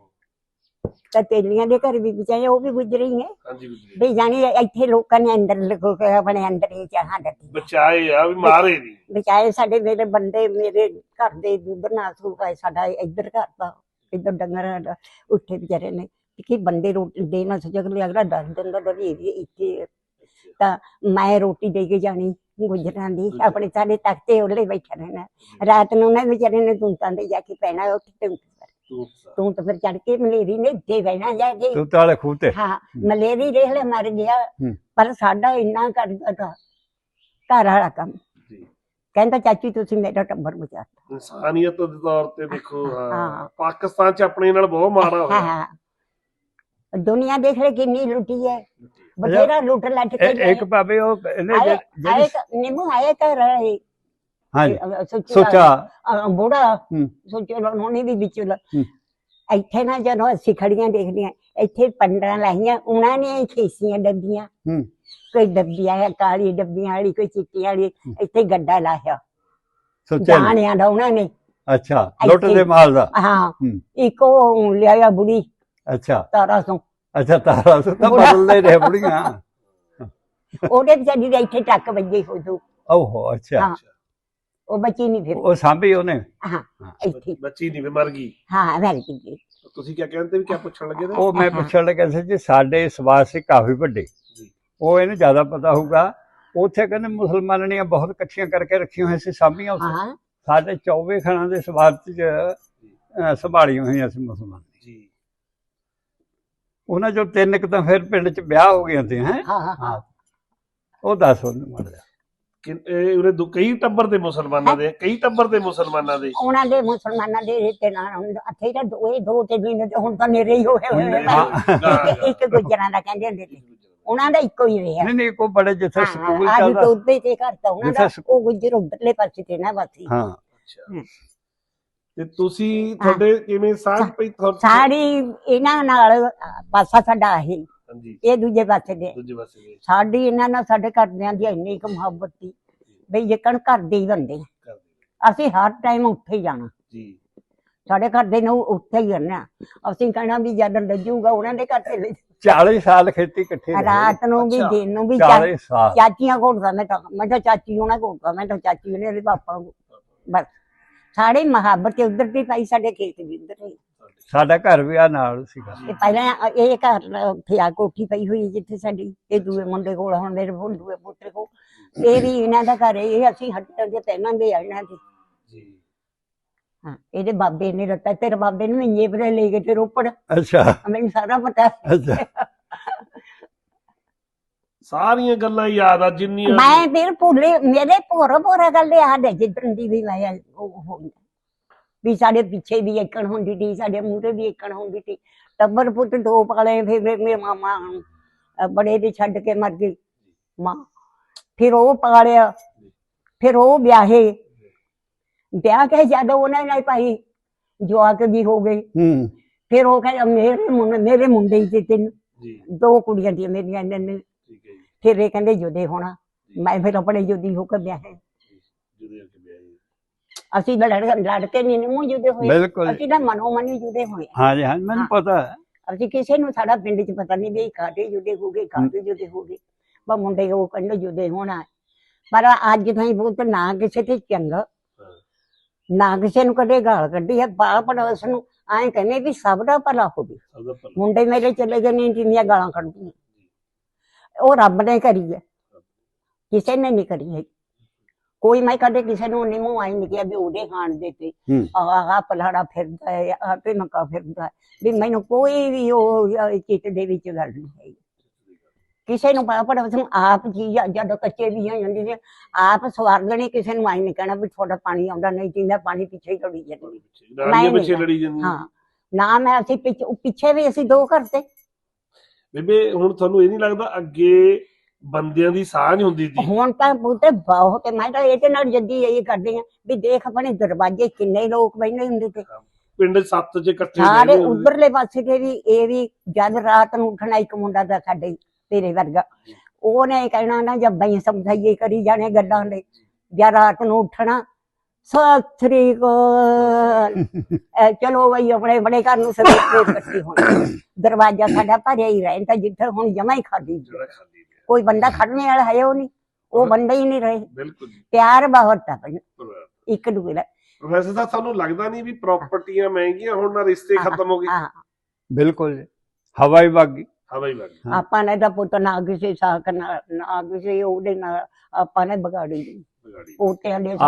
S2: ਤਾਂ ਤੇਲੀਆਂ ਦੇ ਘਰ ਵੀ ਬਚਾਏ, ਉਹ ਵੀ ਗੁਜ਼ਰੇ ਹੀ ਹੈ ਵੀ ਜਾਣੀ ਇੱਥੇ ਲੋਕਾਂ ਨੇ ਅੰਦਰ ਲਗੋ ਕੇ ਆਪਣੇ ਅੰਦਰ ਹੀ ਚਾਹਾਂ ਦਿੱਤੀ
S1: ਬਚਾਏ ਆ ਵੀ ਮਾਰੇ ਨਹੀਂ
S2: ਬਚਾਏ। ਸਾਡੇ ਮੇਰੇ ਬੰਦੇ ਮੇਰੇ ਘਰ ਦੇ ਉਧਰ ਨਾ ਸੂਪਾਏ, ਸਾਡਾ ਇੱਧਰ ਘਰ ਦਾ ਇੱਧਰ ਡੰਗਰਾਂ ਦਾ ਉੱਠੇ ਵਿਚਾਰੇ ਨੇ ਕਿ ਬੰਦੇ ਰੋਟੀ ਦੇ ਨਾ ਸਜਗ ਅਗਲਾ 10 ਦਿਨ ਦਾ ਵੀ ਇੱਥੇ। ਤਾਂ ਮੈਂ ਰੋਟੀ ਦੇ ਕੇ ਜਾਣੀ ਗੁਜਰਾਂ ਦੀ, ਆਪਣੇ ਸਾਡੇ ਤਖਤੇ ਉਹਲੇ ਬੈਠੇ ਰਹਿਣਾ। ਰਾਤ ਨੂੰ ਨਾ ਵਿਚਾਰੇ ਨੇ ਧੁੰਤਾਂ ਤੇ ਜਾ ਕੇ ਪੈਣਾ, ਉੱਥੇ ਤੂੰ ਤਾਂ ਫਿਰ ਚੜ ਕੇ ਮਲੇਰੀ ਨੇ ਇੱਥੇ ਬਹਿਣਾ ਜਾ ਕੇ
S3: ਤੂੰ ਤਾਲੇ ਖੂਤੇ।
S2: ਹਾਂ, ਮਲੇਰੀ ਦੇਖ ਲੈ ਮਰ ਗਿਆ, ਪਰ ਸਾਡਾ ਇੰਨਾ ਕਰਦਾ ਤਾ ਘਰ ਵਾਲਾ ਕੰਮ। ਕਹਿੰਦਾ ਚਾਚੀ ਤੁਸੀਂ ਮੇਰਾ ਟੱਬਰ ਬਚਾਤਾ।
S1: ਇਨਸਾਨੀਅਤ ਦੇ ਤੌਰ ਤੇ ਦੇਖੋ। ਹਾਂ, ਪਾਕਿਸਤਾਨ ਚ ਆਪਣੇ ਨਾਲ ਬਹੁਤ ਮਾੜਾ ਹੋਇਆ।
S2: ਹਾਂ, ਦੁਨੀਆ ਦੇਖ ਲੈ ਕਿੰਨੀ ਲੁੱਟੀ ਹੈ, ਬਥੇਰਾ ਲੁੱਟ ਲੱਟ ਕੇ
S3: ਇੱਕ ਭਾਵੇਂ ਉਹ
S2: ਨਿੰਮੂ ਆਏ ਘਰ ਵਾਲੇ
S3: ਸੋਚਾ
S2: ਬੁੜਾ ਸੋਚੋ ਉਹਨੇ ਵੀ ਵਿੱਚ ਇੱਥੇ ਨਾ ਜਦੋਂ ਅਸੀਂ ਖੜੀਆਂ ਦੇਖਦੀਆਂ, ਇੱਥੇ ਪੰਡਾਂ ਲਾਈਆਂ ਉਹਨਾਂ ਨੇ ਖੇਸੀਆਂ ਡੱਬੀਆਂ, ਕੋਈ ਡੱਬੀਆਂ ਕਾਲੀ ਡੱਬੀਆਂ ਵਾਲੀ, ਕੋਈ ਚਿੱਟੀਆਂ ਵਾਲੀ, ਇੱਥੇ ਗੱਡਾ ਲਾਇਆ ਜਾਣਿਆਂ ਦਾ ਉਹਨਾਂ ਨੇ।
S3: ਅੱਛਾ, ਲੁੱਟ ਦੇ ਮਾਲ ਦਾ।
S2: ਹਾਂ, ਇੱਕ ਉਹ ਲਿਆਇਆ ਬੁੜੀ।
S3: ਅੱਛਾ,
S2: ਤਾਰਾ ਸੋਂ।
S3: ਅੱਛਾ, ਤਾਰਾ ਸੋਂ ਤਾਂ ਬਦਲਦੇ ਰਹੇ ਬੁੜੀਆਂ।
S2: ਉਹਦੇ ਵਿਚਾਰੀ ਦੇ ਇੱਥੇ ਟੱਕ ਵੱਜੇ ਹੋ ਦੋ।
S3: ਓਹੋ ਅੱਛਾ,
S2: ਉਹ ਬੱਚੀ ਨਹੀਂ ਫਿਰ
S3: ਉਹ ਸਾਂਭੀ ਉਹਨੇ।
S2: ਹਾਂ, ਇੱਥੇ
S1: ਬੱਚੀ ਨਹੀਂ ਮਰ ਗਈ।
S2: ਹਾਂ, ਮਰ ਗਈ।
S1: ਤੁਸੀਂ ਕੀ ਕਹਿੰਦੇ ਵੀ ਕੀ ਪੁੱਛਣ ਲੱਗੇ?
S3: ਉਹ ਮੈਂ ਪੁੱਛਣ ਲੱਗਾ ਸੀ ਜੀ, ਸਾਡੇ ਸਵਾਸ ਸੀ ਕਾਫੀ ਵੱਡੇ, ਉਹ ਇਹਨੂੰ ਜ਼ਿਆਦਾ ਪਤਾ ਹੋਊਗਾ। ਉੱਥੇ ਕਹਿੰਦੇ ਮੁਸਲਮਾਨਾਂ ਬਹੁਤ ਇਕੱਠੀਆਂ ਕਰਕੇ ਰੱਖੀਆਂ ਹੋਈਆਂ ਸੀ, ਸਾਂਭੀਆਂ ਉੱਥੇ। ਸਾਡੇ 24 ਖਾਨਾਂ ਦੇ ਸਵਾਸ ਚ ਸੰਭਾਲੀਆਂ ਹੋਈਆਂ ਸੀ ਮੁਸਲਮਾਨ ਜੀ। ਉਹਨਾਂ ਚੋਂ 3 ਤਾਂ ਫਿਰ ਪਿੰਡ ਚ ਵਿਆਹ ਹੋ ਗਏ ਸੀ। ਹੈ ਹਾਂ, ਉਹ ਦੱਸ ਉਹਨੂੰ ਮਾੜਾ ਜਿਹਾ।
S1: ਕਈ ਟੱਬਰ ਦੇ ਮੁਸਲਮਾਨਾਂ ਦੇ, ਕਈ ਟੱਬਰ ਦੇ ਮੁਸਲਮਾਨਾਂ ਦੇ,
S2: ਉਹਨਾਂ ਦੇ ਮੁਸਲਮਾਨਾਂ ਦੇ ਰਿਸ਼ਤੇ ਨਾਲ ਇੱਥੇ ਤਾਂ 2-3 ਦਿਨ ਹੁਣ ਤਾਂ ਨੇੜੇ ਹੀ ਹੋਏ ਹੋਏ। ਇੱਕ ਗੁਜਰਾਂ ਦਾ ਕਹਿੰਦੇ ਹੁੰਦੇ ਸੀ, ਉਹਨਾਂ ਦਾ ਇੱਕੋ ਹੀ ਰਿਹਾ।
S3: ਨਹੀਂ ਕੋ ਬੜੇ ਜਿੱਥੇ ਸਕੂਲ
S2: ਚੱਲਦਾ ਉਹਦੇ ਤੇ ਘਰ ਤਾਂ ਉਹਨਾਂ ਦਾ, ਉਹ ਗੁਜਰ ਉਧਰਲੇ ਪਾਸੇ ਤੇ ਨਾ ਬਾਸੀ।
S3: ਹਾਂ,
S1: ਤੇ ਤੁਸੀਂ ਤੁਹਾਡੇ ਕਿਵੇਂ ਸਾਂਝ ਪਈ?
S2: ਸਾਰੀ ਇਹਨਾਂ ਨਾਲ ਪਾਸਾ ਸਾਡਾ ਆਹੀ, ਇਹ ਦੂਜੇ ਪਾਸੇ ਦੇ। ਸਾਡੀ ਇਹਨਾਂ ਨਾਲ ਸਾਡੇ ਘਰਦਿਆਂ ਦੀ ਇੰਨੀ ਕੁ ਮੁਹੱਬਤ ਸੀ ਬਈ ਜਿੱਕਣ ਘਰ ਦੇ ਹੀ ਬੰਦੇ, ਅਸੀਂ ਹਰ ਟਾਈਮ ਉੱਥੇ ਹੀ ਜਾਣਾ। ਸਾਡੇ ਘਰ ਦੇ ਨੂੰ ਉੱਥੇ ਹੀ ਰਹਿਣਾ। ਅਸੀਂ ਕਹਿਣਾ ਵੀ ਜਦ ਲੱਜੂਗਾ ਉਹਨਾਂ ਦੇ ਘਰ ਤੇ
S3: 40 ਸਾਲ ਖੇਤੀ ਇਕੱਠੇ,
S2: ਰਾਤ ਨੂੰ ਵੀ ਦਿਨ ਨੂੰ ਵੀ। ਚਾਚੀਆਂ ਘੋਟਦਾ ਮੈਂ ਤਾਂ ਚਾਚੀ ਉਹਨਾਂ ਘੋਟਦਾ, ਮੈਂ ਤਾਂ ਚਾਚੀ ਉਹਨੇ ਉਹਦੇ ਪਾਪਾ। ਬਸ ਸਾਡੇ ਮੁਹੱਬਤ ਉਧਰ ਦੀ ਪਾਈ, ਸਾਡੇ ਖੇਤ ਵੀ ਉਧਰ ਹੀ।
S3: ਸਾਡਾ ਘਰ ਵੀ ਆ ਨਾਲ ਸੀਗਾ।
S2: ਪਹਿਲਾਂ ਇਹ ਘਰ ਉੱਥੇ ਆ ਕੋਠੀ ਪਈ ਹੋਈ ਜਿੱਥੇ ਸਾਡੀ, ਇਹ ਦੂਏ ਮੁੰਡੇ ਕੋਲ, ਹੁਣ ਮੇਰੇ ਦੂਏ ਪੁੱਤਰ ਕੋਲ, ਇਹ ਵੀ ਇਹਨਾਂ ਦਾ ਘਰ। ਇਹ ਅਸੀਂ ਹੱਟਾਂ ਦੇ ਪਹਿਲਾਂ ਦੇ ਆ ਇਹਨਾਂ ਦੇ। ਹਾਂ, ਇਹਦੇ ਬਾਬੇ ਨੇ ਦਿੱਤਾ, ਤੇਰੇ ਬਾਬੇ ਨੂੰ ਇੰਨੇ ਪਰੇ ਲੈ ਗਏ ਤੇ ਰੋਪੜ।
S3: ਅੱਛਾ,
S2: ਮੈਨੂੰ ਸਾਰਾ ਪਤਾ।
S3: ਅੱਛਾ,
S1: ਸਾਰੀਆਂ ਗੱਲਾਂ ਯਾਦ ਆ ਜਿੰਨੀਆਂ
S2: ਮੈਂ ਫਿਰ ਭੁੱਲੇ, ਮੇਰੇ ਭੋਰਾ ਗੱਲ ਯਾਦ ਹੈ ਜਿੱਦਣ ਦੀ ਵੀ ਮੈਂ ਵੀ ਸਾਡੇ ਪਿੱਛੇ ਵੀ ਏਕਣ ਹੁੰਦੀ ਸੀ, ਸਾਡੇ ਮੂਹਰੇ ਵੀ ਏਕਣ ਹੁੰਦੀ ਸੀ। ਟੱਬਰ ਪੁੱਤ 2 ਪਾਲੇ, ਫਿਰ ਮੇਰੇ ਮਾਮਾ ਬੜੇ ਦੇ ਛੱਡ ਕੇ ਮਰ ਗਈ ਮਾਂ, ਫਿਰ ਉਹ ਪਾਲਿਆ, ਫਿਰ ਉਹ ਵਿਆਹੇ, ਵਿਆਹ ਕੇ ਜਦੋਂ ਉਹਨਾਂ ਨਾਲ ਭਾਈ ਜਵਾਕ ਵੀ ਹੋ ਗਏ। ਫਿਰ ਉਹ ਕਹਿੰਦਾ ਮੇਰੇ ਮੁੰਡੇ ਹੀ ਤੇ 3
S1: ਜੀ।
S2: 2 ਕੁੜੀਆਂ ਦੀਆਂ ਮੇਰੀਆਂ ਇਹਨਾਂ ਨੇ।
S1: ਠੀਕ ਹੈ ਜੀ।
S2: ਫਿਰ ਇਹ ਕਹਿੰਦੇ ਜੁਦੇ ਹੋਣਾ, ਮੈਂ ਫਿਰ ਆਪਣੇ ਜੁਦੀ ਹੋ ਕੇ ਵਿਆਹੇ।
S1: ਜੁਦੇ ਹੋ ਕੇ ਵਿਆਹੇ।
S2: ਅਸੀਂ ਲੜ ਕੇ ਨਹੀਂ ਮੂੰਹ ਜੁਦੇ ਹੋਏ,
S3: ਬਿਲਕੁਲ
S2: ਅਸੀਂ ਤਾਂ ਮਨੋਂ ਮਨੀ ਜੁਦੇ ਹੋਏ।
S3: ਹਾਂਜੀ ਹਾਂਜੀ ਮੈਨੂੰ ਪਤਾ ਹੈ।
S2: ਅਸੀਂ ਕਿਸੇ ਨੂੰ ਸਾਡਾ ਪਿੰਡ 'ਚ ਪਤਾ ਨਹੀਂ ਵੀ ਕਾਹਦੇ ਜੁਦੇ ਹੋ ਗਏ, ਕਾਹਦੇ ਜੁਦੇ ਹੋ ਗਏ। ਬਸ ਮੁੰਡੇ ਉਹ ਕਹਿੰਦੇ ਜੁਦੇ ਹੋਣਾ। ਪਰ ਅੱਜ ਤਾਈਂ ਬਹੁਤ ਨਾ ਕਿਸੇ ਤੇ ਚੰਗਾ, ਨਾ ਕਿਸੇ ਨੂੰ ਕਦੇ ਗਾਲ ਕੱਢੀ ਹੈ। ਬਾਪ ਪੜੋਸ ਨੂੰ ਐਂ ਕਹਿੰਦੇ ਵੀ ਸਭ ਦਾ ਭਲਾ ਹੋਵੇ। ਮੁੰਡੇ ਮੇਰੇ ਚਲੇ ਗਏ ਨੇ ਜਿੰਨੀਆਂ ਗਾਲਾਂ ਕੱਢਦੀਆਂ, ਉਹ ਰੱਬ ਨੇ ਕਰੀ ਹੈ, ਕਿਸੇ ਨੇ ਨਹੀਂ ਕਰੀ ਹੈ। ਕੋਈ ਮੈਂ ਕਦੇ ਕਿਸੇ ਨੂੰ ਨਹੀਂ ਮੂੰਹ ਆਈ ਨਹੀਂ ਕਿਹਾ ਵੀ ਉਹਦੇ ਖਾਣ ਦੇ ਤੇ ਆਹ ਪਲਾੜਾ ਫਿਰਦਾ ਹੈ, ਆਹ ਤੇ ਨਕਾ ਫਿਰਦਾ ਹੈ। ਵੀ ਮੈਨੂੰ ਕੋਈ ਵੀ ਉਹ ਚਿੱਤ ਦੇ ਵਿੱਚ ਗੱਲ ਨਹੀਂ ਹੈ ਕਿਸੇ ਨੂੰ। ਪੜੋਸ ਨੂੰ ਆਪ ਚੀਜ਼ ਜਦੋਂ ਕੱਚੇ ਵੀ ਹੋ ਜਾਂਦੀ ਸੀ ਆਪ ਸਵਾਰ ਦੇਣੀ, ਕਿਸੇ ਨੂੰ ਆਈ ਨਹੀਂ ਕਹਿਣਾ ਵੀ ਤੁਹਾਡਾ ਪਾਣੀ ਆਉਂਦਾ ਨਹੀਂ ਪੀਂਦਾ, ਪਾਣੀ ਪਿੱਛੇ ਹੀ ਲੜੀ ਜਾਂਦੀ। ਹਾਂ ਨਾ ਮੈਂ ਅਸੀਂ ਪਿੱਛੇ ਵੀ ਅਸੀਂ 2 ਘਰ ਤੇ।
S1: ਬੇਬੇ ਹੁਣ ਤੁਹਾਨੂੰ ਇਹ ਨਹੀਂ ਲੱਗਦਾ ਅੱਗੇ ਬੰਦਿਆਂ ਦੀ ਸਾਂਝ ਹੁੰਦੀ ਸੀ?
S2: ਹੁਣ ਤਾਂ ਬਹੁਤੇ ਬਹੁਤ, ਮੈਂ ਤਾਂ ਇਹਦੇ ਨਾਲ ਜੱਦੀ ਇਹ ਕਰਦੇ ਆ ਵੀ ਦੇਖ ਆਪਣੇ ਦਰਵਾਜ਼ੇ ਕਿੰਨੇ ਲੋਕ ਬੈਠੇ ਹੁੰਦੇ ਤੇ
S1: ਪਿੰਡ 7 ਚ ਇਕੱਠੇ
S2: ਸਾਰੇ ਉਧਰਲੇ ਪਾਸੇ ਦੇ ਵੀ। ਇਹ ਵੀ ਜਦ ਰਾਤ ਨੂੰ ਉੱਠਣਾ, ਇੱਕ ਮੁੰਡਾ ਦਾ ਸਾਡੇ ਤੇਰੇ ਵਰਗਾ, ਉਹਨੇ ਕਹਿਣਾ ਨਾ ਜਦ ਬਈ ਸਮਝਾਈਏ ਕਰੀ ਜਾਣੇ ਗੱਲਾਂ ਦੇ, ਜਾਂ ਰਾਤ ਨੂੰ ਉੱਠਣਾ ਸਤਿ ਸ੍ਰੀ ਅਕਾਲ ਚਲੋ ਬਈ ਆਪਣੇ ਬੜੇ ਘਰ ਨੂੰ ਸਵੇਰੇ ਇਕੱਠੇ ਹੋਣਾ। ਦਰਵਾਜ਼ਾ ਸਾਡਾ ਭਰਿਆ ਹੀ ਰਹਿੰਦਾ, ਜਿੱਥੇ ਹੁਣ ਜਮਾ ਹੀ ਖਾਲੀ, ਕੋਈ ਬੰਦਾ ਖੜਨੇ ਵਾਲਾ ਹੈ ਉਹ ਨਹੀਂ, ਉਹ ਬੰਦੇ ਹੀ ਨਹੀਂ ਰਹੇ।
S1: ਬਿਲਕੁਲ
S2: ਪਿਆਰ ਬਹੁਤ ਆ ਇੱਕ ਦੂਜੇ ਦਾ।
S1: ਪ੍ਰੋਫੈਸਰ ਸਾਹਿਬ ਤੁਹਾਨੂੰ ਲੱਗਦਾ ਨਹੀਂ ਵੀ ਪ੍ਰਾਪਰਟੀਆਂ ਮਹਿੰਗੀਆਂ ਹੋਣ ਨਾਲ ਰਿਸ਼ਤੇ ਖਤਮ ਹੋ ਗਏ?
S3: ਬਿਲਕੁਲ ਜੀ, ਹਵਾ ਹੀ ਵਗ ਗਈ।
S1: ਹਵਾ ਹੀ ਵਗ ਗਈ।
S2: ਆਪਾਂ ਨੇ ਤਾਂ ਪੁੱਤ ਨਾ ਕਿਸੇ ਸਾਕ ਨਾ ਕਿਸੇ ਉਹਦੇ ਨਾਲ ਆਪਾਂ ਨੇ ਵਿਗਾੜੀ ਗਈ। ਪੋਤਿਆਂ ਦੇ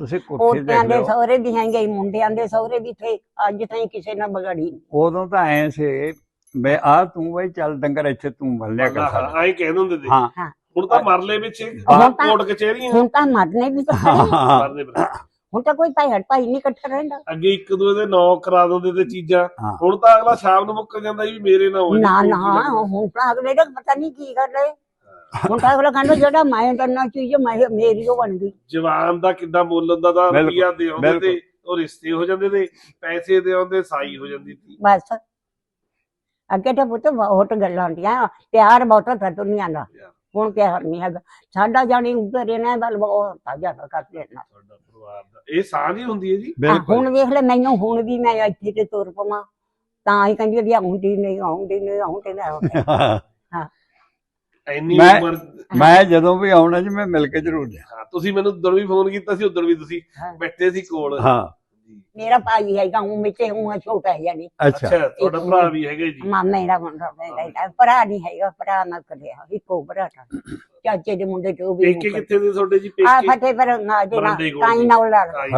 S2: ਸਹੁਰੇ ਵੀ ਹੈਗੇ, ਮੁੰਡਿਆਂ ਦੇ ਸਹੁਰੇ ਵੀ ਥੇ, ਅੱਜ ਤਾਈਂ ਕਿਸੇ ਨਾਲ ਵਿਗਾੜੀ।
S3: ਉਦੋਂ ਤਾਂ ਐ ਸੀ ਮੈਂ ਤੂੰ ਬਈ ਚੱਲ ਡੰਗਰ ਇੱਥੇ ਤੂੰ ਮੱਲਿਆ ਕਰ,
S1: ਐਂ ਕਹਿ ਦਿੰਦੇ ਸੀ।
S3: ਹਾਂ
S1: ਹੁਣ ਤਾਂ ਮਰਲੇ ਵਿੱਚ ਕੋਰਟ ਕਚਹਿਰੀਆਂ,
S2: ਹੁਣ ਤਾਂ ਮਰਨੇ ਵੀ ਹੁਣ ਤਾਂ ਕੋਈ ਭਾਈ ਨਹੀਂ ਇਕੱਠਾ ਰਹਿੰਦਾ।
S1: ਅੱਗੇ ਇੱਕ ਦੂਜੇ ਦੇ ਨਾਂ ਕਰਾ ਦਿੰਦੇ ਤੇ ਚੀਜ਼ਾਂ, ਹੁਣ ਤਾਂ ਅਗਲਾ ਸ਼ਾਮ ਨੂੰ ਮੁੱਕ ਜਾਂਦਾ ਵੀ ਮੇਰੇ ਨਾਲ ਹੋਏ
S2: ਨਾ ਹੁਣ ਤਾਂ ਅਗਲੇ ਦਾ ਪਤਾ ਨਹੀਂ ਕੀ ਕਰ ਰਹੇ। ਹੁਣ ਤਾਂ ਅਗਲਾ ਕਹਿੰਦਾ ਜਿਹੜਾ ਮੈਂ ਕਰਨਾ ਚੀਜ਼ ਮੇਰੀ ਉਹ ਬਣ ਗਈ।
S1: ਜਵਾਨ ਦਾ ਕਿੱਦਾਂ ਮੁੱਲ ਹੁੰਦਾ ਦਾ, ਰੁਪਈਆ ਦੇ ਆਉਂਦੇ ਤੇ ਉਹ ਰਿਸ਼ਤੇ ਹੋ ਜਾਂਦੇ ਤੇ, ਪੈਸੇ ਦੇ ਆਉਂਦੇ ਸਾਈ ਹੋ ਜਾਂਦੀ ਸੀ
S2: ਬਸ। ਅੱਗੇ ਤਾਂ ਪੁੱਤ ਬਹੁਤ ਗੱਲਾਂ ਹੁੰਦੀਆਂ, ਪਿਆਰ ਬਹੁਤਾ ਤਾਂ ਦੁਨੀਆ ਦਾ, ਹੁਣ ਪਿਆਰ ਨਹੀਂ ਹੈਗਾ ਸਾਡਾ। ਜਾਣੀ ਉੱਧਰ ਇਹਨਾਂ ਵੱਲ ਬਹੁਤ ਜ਼ਿਆਦਾ ਕਰਦੇ ਨਾ।
S1: ਇਹ ਸਾਂਝ ਹੀ ਹੁੰਦੀ ਹੈ ਜੀ।
S2: ਹੁਣ ਵੇਖ ਲੈ ਮੈਨੂੰ, ਹੁਣ ਵੀ ਮੈਂ ਇੱਥੇ ਤੇ ਤੁਰ ਪਵਾਂ ਤਾਂ ਹੀ ਕਹਿੰਦੀ ਵੀ ਆਉਂਦੀ ਨਹੀਂ ਆਉਂਦੀ ਨਹੀਂ ਆਉਂਦੀ ਨਹੀਂ। ਹਾਂ
S1: ਇੰਨੀ ਉਮਰ
S3: ਮੈਂ ਜਦੋਂ ਵੀ ਆਉਣਾ ਜੀ ਮੈਂ ਮਿਲ ਕੇ ਜ਼ਰੂਰ ਜਾ।
S1: ਤੁਸੀਂ ਮੈਨੂੰ ਉਦੋਂ ਵੀ ਫੋਨ ਕੀਤਾ ਸੀ, ਉਦੋਂ ਵੀ ਤੁਸੀਂ ਬੈਠੇ ਸੀ ਕੋਲ।
S3: ਹਾਂ
S2: ਮੇਰਾ ਭਾਈ ਹੈਗਾ, ਉਹ ਮਿੱਟੇ ਹੂੰ ਛੋਟਾ ਹੈ ਜਾਨੀ।
S1: ਅੱਛਾ ਤੁਹਾਡਾ ਭਰਾ ਵੀ ਹੈਗਾ ਜੀ?
S2: ਮਾਮਾ ਮੇਰਾ ਮੁੰਡਾ ਭਰਾ ਨਹੀਂ ਹੈਗਾ, ਭਰਾ ਨਾ ਕਰਿਆ ਇੱਕੋ ਭਰਾ ਚਾਚੇ ਦੇ ਮੁੰਡੇ ਜੋ ਵੀ।
S1: ਪੇਕੇ ਕਿੱਥੇ ਦੇ ਤੁਹਾਡੇ ਜੀ?
S2: ਆ ਫਤਿਹ ਪਰ ਕਾਈ ਨਾਲ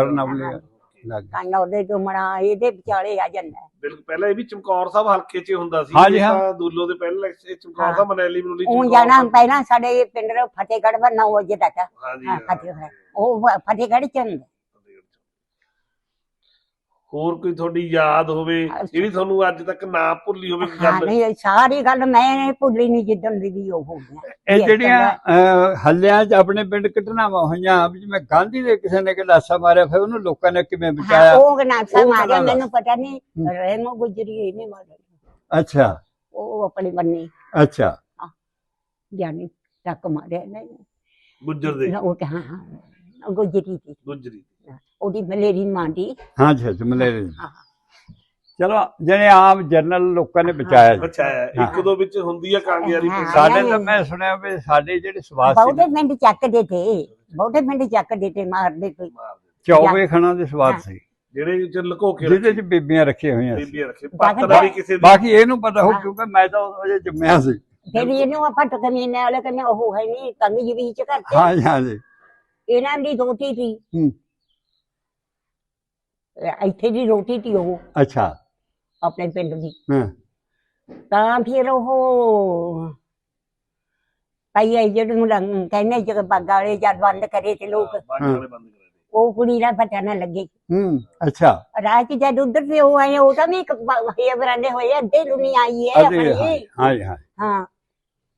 S2: ਉਹਦੇ ਤੋਂ ਮਣਾ ਇਹਦੇ ਵਿਚਾਲੇ ਆ ਜਾਂਦਾ।
S1: ਬਿਲਕੁਲ ਪਹਿਲਾਂ ਇਹ ਵੀ ਚਮਕੌਰ ਸਾਹਿਬ ਹਲਕੇ 'ਚ ਹੁੰਦਾ ਸੀ। ਦੂਲੋ ਦੇ ਪਹਿਲਾਂ ਚਮਕੌਰ ਸਾਹਿਬ ਮਨੈਲੀ ਮਨੂਲੀ
S2: ਉਹ ਜਾਣਾ ਪਹਿਲਾਂ ਸਾਡੇ ਪਿੰਡ ਫਤਿਹਗੜ੍ਹ ਬੰਨਾ ਉਹ ਜੇ ਤੱਕ ਉਹ ਫਤਿਹਗੜ੍ਹ ਚ ਹੁੰਦਾ।
S1: ਹੋਰ ਕੋਈ ਤੁਹਾਡੀ ਯਾਦ ਹੋਵੇ ਜਿਹੜੀ ਤੁਹਾਨੂੰ ਅੱਜ ਤੱਕ ਨਾ ਭੁੱਲੀ ਹੋਵੇ ਗੱਲ?
S2: ਨਹੀਂ ਸਾਰੀ ਗੱਲ ਮੈਂ ਭੁੱਲੀ ਨਹੀਂ ਜਿੱਦਣ ਦੀ ਉਹ ਹੋ ਗਿਆ।
S3: ਇਹ ਜਿਹੜੀਆਂ ਹੱਲਿਆਂ 'ਚ ਆਪਣੇ ਪਿੰਡ ਘਟਨਾਵਾਂ ਹੋਈਆਂ, ਜਿਵੇਂ ਗਾਂਧੀ ਦੇ ਕਿਸੇ ਨੇ ਗਲਾਸਾ ਮਾਰਿਆ ਫਿਰ ਉਹਨੂੰ ਲੋਕਾਂ ਨੇ ਕਿਵੇਂ ਬਚਾਇਆ?
S2: ਉਹ ਗਲਾਸਾ ਮਾਰਿਆ ਮੈਨੂੰ ਪਤਾ ਨਹੀਂ, ਰਹਿਮੋ ਗੁਜਰੀ ਇਹਨੇ ਮਾਰਿਆ।
S3: ਅੱਛਾ
S2: ਉਹ ਆਪਣੀ ਬੰਨੀ।
S3: ਅੱਛਾ
S2: ਜਾਨੀ ਟੱਕ ਮਾਰਿਆ ਨਹੀਂ
S1: ਗੁੱਜਰ ਦੇ?
S2: ਉਹ ਹਾਂ ਗੁਜਰੀ ਦੀ,
S1: ਗੁਜਰੀ
S2: ਉਹਦੀ ਮਲੇਰੀ ਮਾਂ ਦੀ।
S3: ਹਾਂ ਅੱਛਾ ਮਲੇਰੀ। ਚਲੋ ਜਿਹੜੇ ਆਮ ਜਨਰਲ ਲੋਕਾਂ ਨੇ ਬਚਾਇਆ।
S1: ਇੱਕ ਦੋ ਵਿੱਚ ਹੁੰਦੀ ਆ ਕਾਮਯਾਬੀ।
S3: ਸਾਡੇ ਤਾਂ ਮੈਂ ਸੁਣਿਆ ਵੀ ਸਾਡੇ ਜਿਹੜੇ ਸਵਾਸ
S2: ਬਹੁਤੇ ਪਿੰਡ ਚੱਕਦੇ ਤੇ, ਬਹੁਤੇ ਪਿੰਡ ਚੱਕਦੇ ਤੇ ਮਾਰਦੇ ਤੇ।
S3: 24 ਖਣਾ ਦੇ ਸਵਾਸ ਸੀ
S1: ਜਿਹੜੇ ਚ ਲੁਕੋ ਕੇ
S3: ਜਿਹਦੇ ਚ ਬੀਬੀਆਂ ਰੱਖੀਆਂ ਹੋਈਆਂ ਸੀ।
S1: ਬੀਬੀਆਂ ਰੱਖੇ ਪੱਤਦਾ ਵੀ ਕਿਸੇ ਦੀ।
S3: ਬਾਕੀ ਇਹਨੂੰ ਪਤਾ ਹੋ ਕਿਉਂਕਿ ਮੈਂ ਤਾਂ ਉਸ ਵਜੇ ਜੰਮਿਆ ਸੀ।
S2: ਫਿਰ ਇਹਨੂੰ ਆਪਾਂ ਟਕਮੀਨੇ ਵਾਲੇ ਕਹਿੰਦੇ ਉਹ ਹੈ ਨਹੀਂ ਤੰਗ ਜਿਹੀ ਚ ਕਰਦੇ।
S3: ਹਾਂ ਹਾਂ ਜੀ
S2: ਇਹਨਾਂ ਦੀ ਦੋਤੀ ਸੀ, ਇੱਥੇ ਦੀ ਰੋਟੀ ਸੀ ਉਹ।
S3: ਅੱਛਾ
S2: ਆਪਣੇ ਪਿੰਡ ਦੀ। ਤਾਂ ਫਿਰ ਉਹ ਭਾਈ ਜਿਹੜੇ ਨੂੰ ਕਹਿੰਦੇ ਜਦ ਬਾਗਾ ਵਾਲੇ ਜਦ ਬੰਦ ਕਰੇ ਤੇ ਲੋਕ, ਉਹ ਕੁੜੀ ਦਾ ਪਤਾ ਨਾ ਲੱਗੇ।
S3: ਅੱਛਾ
S2: ਰਾਤ ਜਦ ਉਧਰ से ਉਹ ਆਏ, ਉਹ ਤਾਂ ਵੀ ਬਰਾਂਡੇ ਹੋਏ ਅੱਧੇ ਦੁਨੀ ਆਈ ਹੈ ਆਪਣੀ। ਹਾਂ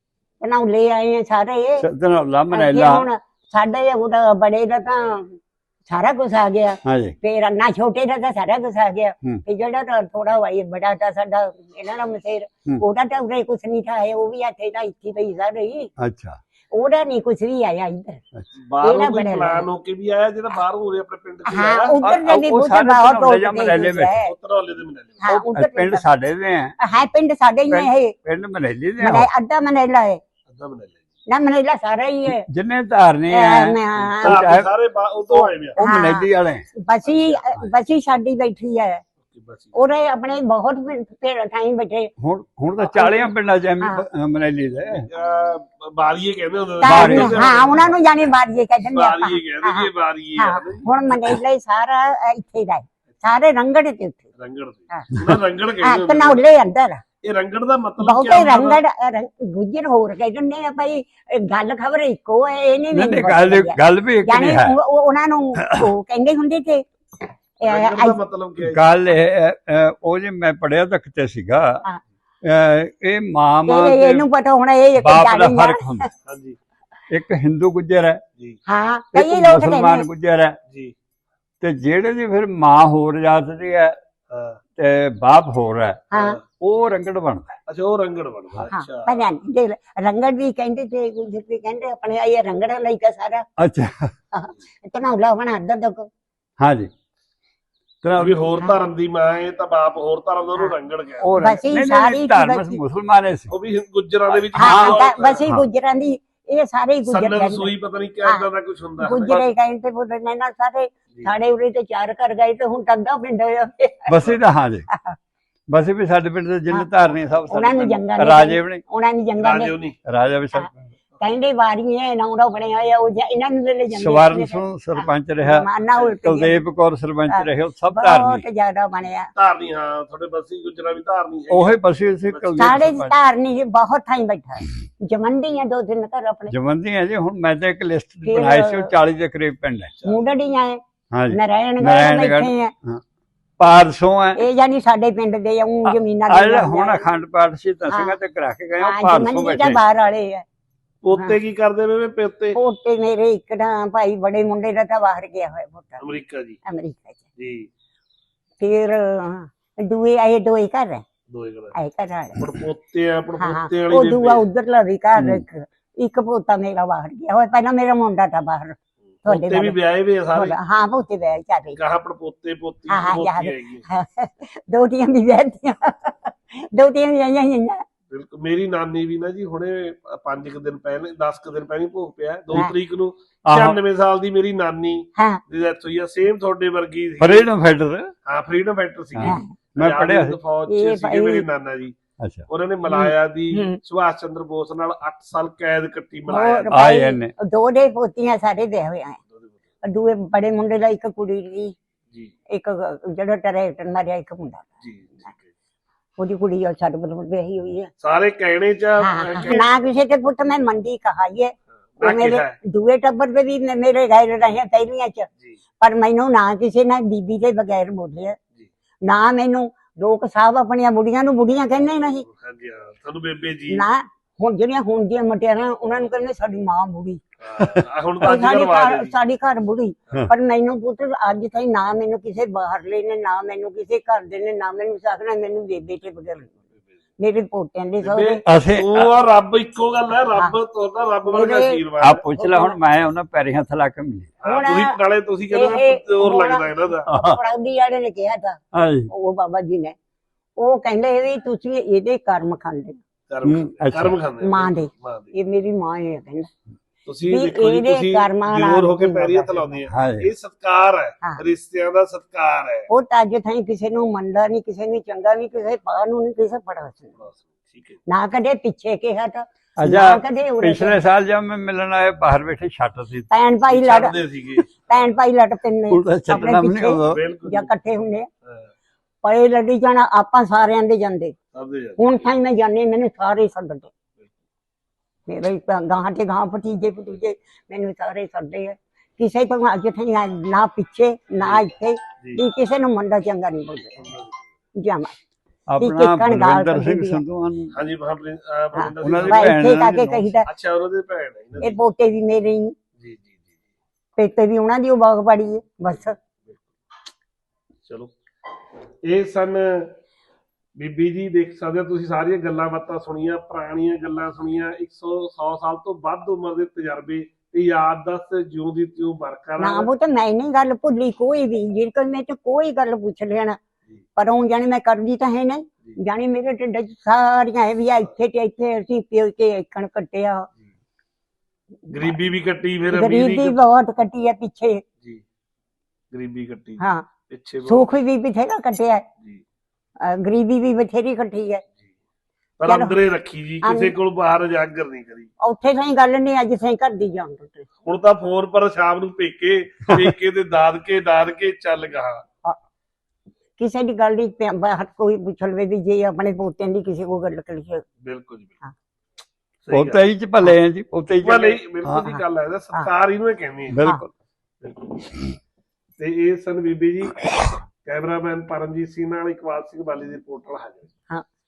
S2: ਬਣਾਉ ਲੈ ਆਏ ਸਾਰੇ।
S3: ਮਨੈਲਾ
S2: ਹੁਣ ਸਾਡੇ ਉਹਦਾ ਬੜੇ ਦਾ ਤਾਂ ਸਾਰਾ ਕੁਝ ਆ ਗਿਆ।
S3: ਹਾਂਜੀ
S2: ਫਿਰ ਅੰਨਾ ਛੋਟੇ ਦਾ ਤਾਂ ਸਾਰਾ ਕੁਝ ਆ ਗਿਆ।
S3: ਹੂੰ।
S2: ਤੇ ਜਿਹੜਾ ਤਾਂ ਥੋੜਾ ਵਾਈ ਬੜਾ ਤਾਂ ਸਾਡਾ ਇਹਨਾਂ ਦਾ ਮਸੇਰ,
S3: ਹੂੰ।
S2: ਉਹਦਾ ਤਾਂ ਉਰੇ ਕੁਝ ਨਹੀਂ ਥਾਏ, ਉਹ ਵੀ ਇੱਥੇ ਦਾ ਇੱਥੇ ਪਈ ਰਹੀ,
S3: ਅੱਛਾ
S2: ਉਹਦਾ ਨਹੀਂ ਕੁਝ ਵੀ ਆਇਆ ਇੱਧਰ।
S1: ਬਾਹਰੋਂ
S2: ਇਹਦਾ
S1: ਕੋਈ
S2: ਬਣਿਆ
S1: ਪਲਾਨ ਹੋ ਕੇ ਵੀ ਆਇਆ ਜਿਹੜਾ ਬਾਹਰ ਹੋ ਰਿਹਾ ਆਪਣੇ ਪਿੰਡ ਚ
S2: ਹਾਂ
S1: ਆਇਆ?
S2: ਉੱਧਰ ਦੇ ਵੀ
S3: ਉਹ
S2: ਬਹੁਤ
S3: ਸਾਰੇ
S2: ਬਹੁਤ
S3: ਧਰੋਲੇ ਜਾਂ ਮਰੈਲੇ ਵਿੱਚ।
S1: ਉਤਰੋਲੇ ਦੇ ਮਿਲੇ
S2: ਹਾਂ ਉੱਧਰ
S3: ਪਿੰਡ ਸਾਡੇ ਦੇ ਆ,
S2: ਹੈ, ਪਿੰਡ ਸਾਡੇ ਹੀ ਹੈ ਇਹ।
S3: ਪਿੰਡ ਮਰੈਲੀ ਦੇ ਆ
S2: ਮਨੇ ਅੱਧਾ ਮਨੇਲਾ ਹੈ
S1: ਅੱਧਾ ਮਿਲੇ
S2: ਨਾ, ਮਨੇਲਾ ਸਾਰਾ ਹੀ ਹੈ।
S3: ਜਿੰਨੇ ਧਾਰਨੇ ਆ
S2: ਹਾਂ,
S1: ਸਾਰੇ ਉਦੋਂ ਆਏ ਵੇ
S3: ਉਹ ਮਰੈਲੀ ਵਾਲੇ
S2: ਬਸੀ ਸਾਡੀ ਬੈਠੀ ਹੈ,
S1: ਬਸ
S2: ਉਹਦੇ ਆਪਣੇ ਬਹੁਤ ਭੇੜ ਥਾਈ ਬੈਠੇ।
S3: ਹੁਣ ਤਾਂ 40 ਪਿੰਡਾਂ ਚ ਮਰੈਲੀ ਦੇ
S1: ਬਾਰੀਏ ਕਹਿੰਦੇ ਹੁੰਦੇ
S3: ਬਾਰੀਏ।
S2: ਹਾਂ ਉਹਨਾਂ ਨੂੰ ਜਾਣੀ ਬਾਰੀਏ ਕਹਿੰਦੇ ਆਪਾਂ।
S1: ਬਾਰੀਏ ਕਹਿੰਦੇ ਜੀ ਬਾਰੀਏ
S2: ਹਾਂ, ਹੁਣ ਮਨੇਲਾ ਸਾਰਾ ਇੱਥੇ ਦਾ ਹੈ, ਸਾਰੇ ਰੰਗੜ ਤੇ ਉੱਥੇ
S1: ਰੰਗੜ
S2: ਹਾਂ।
S1: ਦੇ ਉਹਨਾਂ ਰੰਗੜ
S2: ਹਾਂ
S1: ਕਹਿੰਦੇ ਹੁੰਦੇ
S2: ਕਨੌਲੇ ਅੰਦਰ
S1: ਇਹ ਰੰਗੜ ਦਾ ਮਤਲਬ
S2: ਬਹੁਤੇ
S1: ਕੀ ਹੁੰਦਾ?
S2: ਰੰਗੜ ਗੁੱਜਰ ਹੋਰ ਕਹਿੰਦੇ ਆ ਭਾਈ, ਗੱਲ ਖਬਰ ਇੱਕੋ ਹੈ, ਇਹ ਨਹੀਂ
S3: ਨਹੀਂ ਗੱਲ ਵੀ ਇੱਕ
S2: ਯਾਨੀ
S3: ਨਹੀਂ ਹੈ।
S2: ਉਹਨਾਂ ਨੂੰ ਉਹ ਕਹਿੰਦੇ ਹੁੰਦੇ ਤੇ
S1: ਰੰਗੜ ਦਾ ਮਤਲਬ ਕੀ ਹੈ?
S3: ਗੱਲ ਉਹ ਜੇ ਮੈਂ ਪੜਿਆ ਤਾਂ ਕਿਤੇ ਸੀਗਾ,
S2: ਹਾਂ।
S3: ਇਹ ਮਾਂ
S2: ਇਹਨੂੰ ਪਤਾ ਹੋਣਾ, ਇਹ
S3: ਬਾਪ ਦਾ
S2: ਜਾਣੀ ਆ।
S3: ਫਰਕ ਹੁੰਦਾ।
S1: ਹਾਂਜੀ
S3: ਇੱਕ ਹਿੰਦੂ ਗੁੱਜਰ ਹੈ,
S1: ਜੀ
S2: ਹਾਂ
S3: ਇੱਕ
S2: ਕਈ ਲੋਕ
S3: ਮੁਸਲਮਾਨ
S2: ਕਹਿੰਦੇ
S3: ਗੁੱਜਰ ਹੈ,
S1: ਜੀ
S3: ਤੇ ਜਿਹੜੇ ਦੀ ਫਿਰ ਮਾਂ ਹੋਰ ਜਾਤ ਦੀ ਹੈ
S1: ਹਾਂ
S3: ਤੇ ਬਾਪ ਹੋਰ ਹੈ,
S2: ਹਾਂ
S3: ਉਹ ਰੰਗੜ ਬਣਦਾ।
S1: ਅੱਛਾ ਉਹ ਰੰਗੜ ਬਣਦਾ।
S2: ਹਾਂ
S1: ਅੱਛਾ
S2: ਪਤਾ ਨਹੀਂ ਰੰਗੜ ਵੀ ਕਹਿੰਦੇ ਤੇ ਗੁੱਜਰ ਵੀ ਕਹਿੰਦੇ, ਆਪਣੇ ਇਹ ਰੰਗੜ ਲਈ ਤਾਂ ਸਾਰਾ
S3: ਅੱਛਾ
S2: ਕਨੌਲਾ ਬਣਾ ਅੱਧਾ
S3: ਹਾਂਜੀ
S1: ਵੀ ਹੋਰ ਧਰਮ ਦੀ ਮਾਂ ਹੈ ਤਾਂ ਬਾਪ ਹੋਰ ਧਰਮ ਦਾ, ਉਹਨੂੰ ਰੰਗੜ ਕਹਿੰਦੇ।
S3: ਉਹ
S2: ਬਸ ਇਹ ਸਾਰੀ
S3: ਧਰਮ
S2: ਬਸ-
S3: ਮੁਸਲਮਾਨ ਸੀ।
S1: ਉਹ ਵੀ ਗੁੱਜਰਾਂ ਦੇ ਵਿੱਚ
S2: ਹਾਂ ਬਸ ਇਹ ਗੁੱਜਰਾਂ ਦੀ, ਇਹ ਸਾਰੇ ਹੀ ਗੁੱਜਰ
S1: ਸੰਨਤ
S2: ਕਹਿੰਦੇ
S1: ਸੂਈ ਪਤਾ ਨਹੀਂ ਕਿਆ ਇਦਾਂ ਦਾ ਕੁਝ ਹੁੰਦਾ ਹੈ।
S2: ਗੁੱਜਰੇ ਕਹਿੰਦੇ ਬੋਲਦੇ ਨੇ ਨਾ ਸਾਰੇ, ਸਾਡੇ ਉਰੇ ਤੇ 4 ਘਰ ਗਏ ਤੇ ਹੁਣ ਤੱਕ ਦਾ ਪਿੰਡ ਹੋਇਆ
S3: ਬਸੀ ਤਾਂ ਹਾਂਜੀ ਬਸੀ ਵੀ ਸਾਡੇ ਪਿੰਡ ਦੇ ਜਿੰਨੇ ਧਾਰਨੀ ਸਭ ਸਾਡੇ
S2: ਉਹਨਾਂ ਨੂੰ
S3: ਪਿੰਡ।
S2: ਜੰਗਾਂ ਨੇ
S3: ਰਾਜੇ ਵੀ ਨਹੀਂ,
S2: ਉਹਨਾਂ ਨੇ ਜੰਗਾਂ
S1: ਰਾਜੇ
S2: ਦੇ
S1: ਉਹ ਨਹੀਂ
S3: ਰਾਜਾ ਵੀ ਸਭ
S2: ਕਹਿੰਦੇ ਵਾਰੀ ਹੈ ਨਾਉੜਾ ਬਣਿਆ ਹੋਇਆ, ਉਹ ਇਹਨਾਂ ਨੂੰ ਲੈ ਜਾਂਦੇ
S3: ਸਵਰਨ ਸਿੰਘ ਸਰਪੰਚ ਰਿਹਾ,
S2: ਮਾਨਾ ਉਲਟ ਗਿਆ।
S3: ਕੁਲਦੀਪ ਕੌਰ ਸਰਪੰਚ ਰਹੇ, ਉਹ ਸਭ ਧਾਰਨੀ।
S2: ਬਹੁਤ ਜ਼ਿਆਦਾ ਬਣਿਆ
S1: ਧਾਰਨੀ। ਹਾਂ ਤੁਹਾਡੇ ਬਸੀ ਗੁੱਜਰਾਂ ਵੀ ਧਾਰਨੀ ਹੈ।
S3: ਉਹੀ ਬਸੀ ਸੀ ਕੁਲਦੀਪ
S2: ਸਾਡੇ
S3: ਸਰਪੰਚ।
S2: ਧਾਰਨੀ ਜੀ ਬਹੁਤ ਥਾਈ ਬੈਠਾ ਜਮੰਡੀਆਂ 2-3 ਘਰ ਆਪਣੇ
S3: ਜਵੰਦੀ ਹੈ ਜੀ। ਹੁਣ ਮੈਂ ਤਾਂ ਇੱਕ ਲਿਸਟ
S2: ਫਿਰ-
S3: ਬਣਾਈ ਸੀ, ਉਹ 40 ਦੇ ਕਰੀਬ ਪਿੰਡ ਹੈ।
S2: ਮੁੰਡੜੀਆਂ ਹੈ,
S3: ਹਾਂਜੀ
S2: ਨਾਰਾਇਣਗੜ੍ਹ
S3: ਨਾਰਾਇਣਗੜ੍ਹ।
S2: ਬੈਠੇ ਹੈ,
S3: ਹਾਂ। ਪਾਰਸੋਂ ਹੈ
S2: ਇਹ ਜਾਨੀ ਸਾਡੇ ਪਿੰਡ ਦੇ ਉਹ ਜ਼ਮੀਨਾਂ
S3: ਆ
S2: ਦੇ
S3: ਜਿਹੜਾ
S2: ਨਾਲ
S3: ਹੁਣ
S2: ਹੈ।
S3: ਅਖੰਡ ਪਾਠ ਸੀ ਦਸਾਂਗਾ ਤੇ ਕਰਾ ਕੇ ਗਏ, ਉਹ
S2: ਹਾਂ
S3: ਪਾਰਸੋਂ
S2: ਜਮੰਡੀ
S3: ਬੈਠੇ।
S2: ਦਾ ਬਾਹਰ ਵਾਲੇ ਹੈ।
S1: ਪੋਤੇ ਕੀ ਕਰਦੇ ਵੇ ਪੋਤੇ?
S2: ਪੋਤੇ ਮੇਰੇ ਇੱਕ ਤਾਂ ਭਾਈ ਬੜੇ ਮੁੰਡੇ ਦਾ ਤਾਂ ਬਾਹਰ ਗਿਆ ਹੋਇਆ ਪੋਤਾ
S1: ਅਮਰੀਕਾ ਜੀ।
S2: ਅਮਰੀਕਾ ਚ।
S1: ਜੀ
S2: ਫਿਰ ਦੂਏ ਆਏ ਦੋਏ ਘਰ ਹੈ,
S1: ਦੋਏ ਗੱਲ
S2: ਆਏ ਘਰ ਵਾਲੇ।
S1: ਪਰ ਪੋਤੇ ਆ ਪਰ
S2: ਹਾਂ
S1: ਪੋਤੇ
S2: ਉਹ
S1: ਵਾਲੀ
S2: ਦੂਆ ਉਧਰਲਾ ਵੀ ਘਰ ਇੱਕ ਪੋਤਾ ਮੇਰਾ ਬਾਹਰ ਗਿਆ ਹੋਇਆ, ਪਹਿਲਾਂ ਮੇਰਾ ਮੁੰਡਾ ਤਾਂ ਬਾਹਰ ਤੁਹਾਡੇ
S1: ਪੋਤੇ ਵੀ
S2: ਵਾਲੇ।
S1: ਵਿਆਹੇ ਵੇ ਆ ਸਾਰੇ।
S2: ਹਾਂ ਪੋਤੇ ਵਿਆਹ ਚੱਲ ਰਹੀ,
S1: ਕਹਾ ਪਰ ਪੋਤੇ ਪੋਤੀ
S2: ਹਾਂ, ਹਾਂ,
S1: ਪੋਤੀ
S2: ਯਾਦ।
S1: ਹੈਗੀ।
S2: ਦੋਤੀਆਂ ਵੀ ਵਿਆਹਤੀਆਂ, ਦੋਤੀਆਂ ਵੀ ਆਈਆਂ ਹੋਈਆਂ।
S1: ਬਿਲਕੁਲ ਮੇਰੀ ਨਾਨੀ ਵੀ ਨਾ ਜੀ ਹੁਣੇ 5 ਦਿਨ ਪਹਿਲੇ 10 ਦਿਨ ਪਹਿਲੇ ਭੋਗ ਪਿਆ 2
S2: ਹਾਂ।
S1: ਤਰੀਕ ਨੂੰ।
S3: ਆਹੋ।
S1: 96 ਸਾਲ ਦੀ ਮੇਰੀ ਨਾਨੀ
S2: ਹਾਂ
S1: ਦੀ ਡੈਥ ਹੋਈ ਆ, ਸੇਮ ਤੁਹਾਡੇ ਵਰਗੀ ਸੀ।
S3: Freedom fighter.
S1: ਹਾਂ ਫਰੀडम ਫਾਈਟਰ ਸੀ।
S2: ਹਾਂ।
S3: ਮੈਂ ਪੜਿਆ ਸੀ।
S1: ਫੌਜ
S2: ਇਹ
S1: ਚ ਸੀਗੇ
S2: ਭਾਈ-
S1: ਮੇਰੇ ਨਾਨਾ ਜੀ।
S3: ਅੱਛਾ
S1: ਉਹਨਾਂ ਨੇ ਮਲਾਇਆ ਦੀ
S2: ਹੂੰ।
S1: ਸੁਭਾਸ਼ ਚੰਦਰ ਬੋਸ ਨਾਲ 8 ਸਾਲ ਕੈਦ ਕੱਟੀ ਮਲਾਇਆ
S2: ਹੋਰ
S1: ਦੀ।
S3: ਆਏ
S2: ਭਾਈ
S3: ਨੇ।
S2: ਦੋ ਦੇ ਪੋਤੀਆਂ ਸਾਰੇ ਵਿਆਹ ਹੋਏ ਆ। ਦੂਏ ਬੜੇ ਮੁੰਡੇ ਦਾ ਇੱਕ ਕੁੜੀ ਦੀ,
S1: ਜੀ
S2: ਇੱਕ ਜਿਹੜਾ ਟਰੈਕਟਰ ਮਾਰਿਆ ਇੱਕ ਮੁੰਡਾ,
S1: ਜੀ ਠੀਕ ਹੈ।
S2: ਉਹਦੀ ਕੁੜੀ ਉਹ ਸਾਡੇ ਕੋਲ ਵਿਆਹੀ ਹੋਈ ਹੈ।
S1: ਸਾਰੇ ਕਹਿਣੇ ਚ
S2: ਹਾਂ ਨਾ ਕਿਸੇ ਤੇ ਪੁੱਤ ਮੈਂ ਮੰਡੀ ਕਹਾਈਏ,
S1: ਨਾ
S2: ਉਹ ਮੇਰੇ
S1: ਕਿਹਾ ਹੈ।
S2: ਦੂਏ ਟੱਬਰ ਦੇ ਵੀ ਮੇਰੇ ਗੈਰ ਰਹੇ ਪਹਿਲੀਆਂ ਚ,
S1: ਜੀ
S2: ਪਰ ਮੈਨੂੰ ਨਾ ਕਿਸੇ ਨਾਲ ਬੀਬੀ ਦੇ ਬਗੈਰ ਬੋਲਿਆ,
S1: ਜੀ
S2: ਨਾ ਮੈਨੂੰ ਲੋਕ ਸਾਹਿਬ ਆਪਣੀਆਂ ਬੁੜੀਆਂ ਨੂੰ ਬੁੜੀਆਂ ਕਹਿੰਦੇ ਨਹੀਂ
S1: ਹਾਂਜੀ ਹਾਂ ਤੁਹਾਨੂੰ ਬੇਬੇ ਜੀ।
S2: ਨਾ। ਹੁਣ ਜਿਹੜੀਆਂ ਹੁਣ ਦੀਆਂ ਮਟਿਆਰਾਂ ਉਹਨਾਂ ਨੂੰ ਕਹਿੰਦੇ ਸਾਡੀ ਮਾਂ ਬੁੜੀ,
S1: ਹਾਂ, ਹੁਣ ਤਾਂ ਅੱਜ
S2: ਸਾਡੀ
S1: ਕਰਵਾ
S2: ਘਰ- ਸਾਡੀ ਘਰ ਬੁੜੀ।
S3: ਹਾਂ।
S2: ਪਰ ਮੈਨੂੰ ਪੁੱਤ ਅੱਜ ਤਾਈਂ ਨਾ ਮੈਨੂੰ ਕਿਸੇ ਬਾਹਰਲੇ ਨੇ, ਨਾ ਮੈਨੂੰ ਕਿਸੇ ਘਰ ਦੇ ਨੇ, ਨਾ ਮੈਨੂੰ ਸਾਖਣਾ, ਮੈਨੂੰ ਬੇਬੇ ਤੇ ਬਗੈਰ ਮੇਰੇ ਪੋਤਿਆਂ ਦੇ ਸਹੁਰੇ।
S3: ਅਸੀਂ
S1: ਉਹ ਆ ਰੱਬ ਇੱਕੋ ਗੱਲ ਹੈ। ਰੱਬ ਤੁਹਾਡਾ ਰੱਬ ਵਰਗਾ
S2: ਮੇਰੇ-
S1: ਆਸ਼ੀਰਵਾਦ
S3: ਆ
S1: ਹੈ।
S3: ਪੁੱਛ ਲੈ, ਹੁਣ ਮੈਂ ਉਹਨਾਂ ਪੈਰੀ ਹੱਥ ਲਾ ਕੇ ਮਿਲੀ।
S1: ਹਾਂ,
S2: ਹੁਣ
S1: ਤੁਸੀਂ ਨਾਲੇ ਤੁਸੀਂ ਕਹਿੰਦੇ
S2: ਇਹ-
S1: ਜ਼ੋਰ
S2: ਹੁਣ-
S1: ਲੱਗਦਾ ਇਹਨਾਂ ਦਾ।
S2: ਪੜਾਉਂਦੀ ਵਾਲੇ ਨੇ ਕਿਹਾ ਤਾਂ
S3: ਹਾਂਜੀ
S2: ਉਹ ਬਾਬਾ ਜੀ ਨੇ, ਉਹ ਕਹਿੰਦੇ ਵੀ ਤੁਸੀਂ ਇਹਦੇ ਕਰਮ ਖਾਂਦੇ,
S1: ਕਰਮ ਖਾਂਦੇ
S2: ਮਾਂ ਦੇ।
S1: ਮਾਂ ਦੇ।
S2: ਇਹ ਮੇਰੀ ਮਾਂ ਹੈ ਕਹਿੰਦਾ
S1: ਤੁਸੀਂ
S2: ਵੀ
S1: ਦੇਖੋ ਜੀ
S2: ਇਹਦੇ
S1: ਤੁਸੀਂ
S2: ਕਰਮਾਂ ਨਾਲ
S1: ਜ਼ੋਰ ਹੋ ਕੇ
S2: ਹੀ
S1: ਪੈਰੀ ਹੱਥ
S2: ਬਾਬਾ
S1: ਲਾਉਂਦੇ ਆ।
S3: ਹਾਂਜੀ।
S1: ਇਹ ਸਤਕਾਰ ਹੈ,
S2: ਹਾਂ।
S1: ਰਿਸ਼ਤਿਆਂ ਦਾ ਸਤਕਾਰ ਹੈ।
S2: ਉਹ ਤਾਂ ਅੱਜ ਤਾਈਂ ਕਿਸੇ ਨੂੰ ਮੰਨਦਾ ਨਹੀਂ, ਕਿਸੇ ਨੂੰ ਚੰਗਾ ਨਹੀਂ, ਕਿਸੇ ਪਾ ਨੂੰ ਨਹੀਂ, ਕਿਸੇ ਪੜਾ ਸੀ
S1: ਬਸ, ਠੀਕ ਹੈ।
S2: ਨਾ ਕਦੇ ਪਿੱਛੇ ਕਿਹਾ ਤਾਂ
S3: ਅੱਛਾ
S2: ਨਾ ਕਦੇ ਉਰੇ
S3: ਪਿਛਲੇ ਸਾਲ ਜਦ ਮੈਂ ਮਿਲਣ ਆਇਆ ਬਾਹਰ ਬੈਠੇ ਛੱਟ ਸੀ,
S2: ਭੈਣ ਭਾਈ ਲੜ,
S1: ਛੱਡਦੇ ਸੀਗੇ।
S2: ਭੈਣ ਭਾਈ ਲੜ ਪੈਂਦੇ
S3: ਉਹ ਤਾਂ ਛੱਡਣਾ ਵੀ ਨਹੀਂ ਉਦੋਂ।
S1: ਬਿਲਕੁਲ
S2: ਜਾਂ ਇਕੱਠੇ ਹੁੰਦੇ ਆ।
S1: ਹਾਂ,
S2: ਪਏ ਲੱਡੀ ਜਾਣਾ ਆਪਾਂ ਸਾਰਿਆਂ ਦੇ ਜਾਂਦੇ,
S1: ਸਭ ਦੇ ਜਾਂਦੇ।
S2: ਹੁਣ ਤਾਈਂ ਮੈਂ ਜਾਣੇ ਮੈਨੂੰ ਸਾਰੇ ਸੱਦਦੇ, ਮੇਰੇ ਗਾਂ ਤੇ ਗਾਂ ਭਤੀਜੇ ਭਤੀਜੇ ਮੈਨੂੰ ਸਾਰੇ ਸੱਦਦੇ ਆ। ਕਿਸੇ ਤੋਂ ਅੱਜ ਤਾਈਂ ਨਾ ਪਿੱਛੇ ਨਾ ਇੱਥੇ
S1: ਜੀ।
S2: ਵੀ ਕਿਸੇ ਨੂੰ ਮੰਦਾ ਚੰਗਾ ਨਹੀਂ ਬੋਲਦੇ ਜਾਮਾ।
S3: ਆਪਣਾ
S2: ਕਿੱਕਣ ਗਾਲ
S3: ਬਲਵਿੰਦਰ ਸਿੰਘ
S2: ਕੱਢੀ ਆ।
S3: ਸੰਧੂਆਂ ਨੂੰ
S1: ਹਾਂਜੀ ਮਹਾਂਪ੍ਰਿੰਦਰ
S3: ਉਹਨਾਂ ਦੀ
S1: ਸਿੰਘ।
S2: ਮੈਂ
S3: ਭੈਣ
S2: ਇੱਥੇ
S3: ਨਾਲ
S2: ਜਾ ਕੇ
S3: ਜੀ।
S2: ਕਹੀਦਾ
S1: ਅੱਛਾ ਉਹਨਾਂ ਦੇ ਭੈਣ ਹੈ ਇਹਨਾਂ
S2: ਇਹ
S1: ਦੀ।
S2: ਪੋਤੇ ਵੀ ਮੇਰੇ ਹੀ,
S1: ਜੀ ਜੀ ਜੀ।
S2: ਪੇਤੇ ਵੀ ਉਹਨਾਂ ਦੀ ਉਹ ਬਾਗ ਪਾੜੀ ਹੈ ਬਸ।
S1: ਚਲੋ ਇਹ ਸਨ ਬੀਬੀ ਜੀ, ਦੇਖ ਸਕਦੇ ਹੋ ਤੁਸੀਂ ਸਾਰੀਆਂ ਗੱਲਾਂ ਬਾਤਾਂ ਸੁਣੀਆਂ, ਪੁਰਾਣੀਆਂ ਗੱਲਾਂ ਸੁਣੀਆਂ, 100 ਸਾਲ ਤੋਂ ਵੱਧ ਉਮਰ ਦੇ ਤਜਰਬੇ ਤੇ ਯਾਦਦਾਸ਼ਤ ਜਿਉਂ ਦੀ ਤਿਉਂ
S2: ਨਾ
S1: ਬਰਕਰਾਰ।
S2: ਉਹ ਤਾਂ ਮੈਂ ਨਹੀਂ ਗੱਲ ਭੁੱਲੀ ਕੋਈ ਵੀ, ਜੇ ਮੈਂ ਤੇ ਕੋਈ ਗੱਲ ਪੁੱਛ ਲੈਣਾ ਪਰ ਉਹ ਜਾਣੀ ਮੈਂ ਕਰਦੀ ਤਾਂ ਹੈ ਨਹੀਂ। ਜਾਣੀ ਮੇਰੇ ਢਿੱਡ 'ਚ ਸਾਰੀਆਂ ਇਹ ਵੀ ਆ, ਇੱਥੇ ਤੇ ਇੱਥੇ ਅਸੀਂ ਪਿਓ ਕੇ ਏਕਣ ਕੱਟਿਆ,
S1: ਗਰੀਬੀ ਵੀ ਕੱਟੀ, ਫਿਰ
S2: ਗਰੀਬੀ ਬਹੁਤ ਕੱਟੀ ਹੈ ਪਿੱਛੇ।
S1: ਜੀ ਗਰੀਬੀ ਕੱਟੀ,
S2: ਹਾਂ
S1: ਪਿੱਛੇ
S2: ਸੁੱਖ ਵੀ ਬਥੇਰਾ ਕੱਟਿਆ,
S1: ਜੀ
S2: ਗਰੀਬੀ ਵੀ ਬਥੇਰੀ ਕੱਟੀ ਹੈ।
S1: ਪਰ ਅੰਦਰੇ ਰੱਖੀ ਜੀ, ਕਿਸੇ ਕੋਲ ਬਾਹਰ ਉਜਾਗਰ ਨਹੀਂ ਕਰੀ।
S2: ਉੱਥੇ ਸਹੀ ਗੱਲ ਨਹੀਂ, ਅੱਜ ਸਹੀ ਘਰ ਦੀ ਜਾਣ ਟੁੱਟੇ।
S1: ਹੁਣ ਤਾਂ ਫੋਨ ਪਰ ਸ਼ਾਮ ਨੂੰ ਪੇਕੇ ਤੇ ਦਾਦਕੇ ਚੱਲ ਗਾਹਾਂ।
S2: ਕਿਸੇ ਦੀ ਗੱਲ ਨਹੀਂ ਬਾਹਰ ਕੋਈ ਪੁੱਛ ਲਵੇ ਵੀ ਜੇ ਆਪਣੇ ਪੋਤਿਆਂ ਦੀ ਕਿਸੇ ਕੋਲ ਗੱਲ ਕਰੀਏ।
S1: ਬਿਲਕੁਲ ਜੀ,
S2: ਹਾਂ।
S3: ਪੋਤੇ ਹੀ ਚ ਭਲੇ ਆ ਜੀ, ਪੋਤੇ ਹੀ
S1: ਬਿਲਕੁਲ ਜੀ, ਗੱਲ ਹੈ ਸਤਿਕਾਰ ਇਹਨੂੰ ਕਹਿੰਦੇ ਆ।
S3: ਬਿਲਕੁਲ।
S1: ਤੇ ਇਹ ਸਨ ਬੀਬੀ ਜੀ, ਕੈਮਰਾਮੈਨ ਪਰਮਜੀਤ ਸਿੰਘ ਨਾਲ ਇਕਬਾਲ ਸਿੰਘ ਬਾਲੀ ਦੀ ਰਿਪੋਰਟ ਹਾਜ਼ਰ।
S2: ਹਾਂ।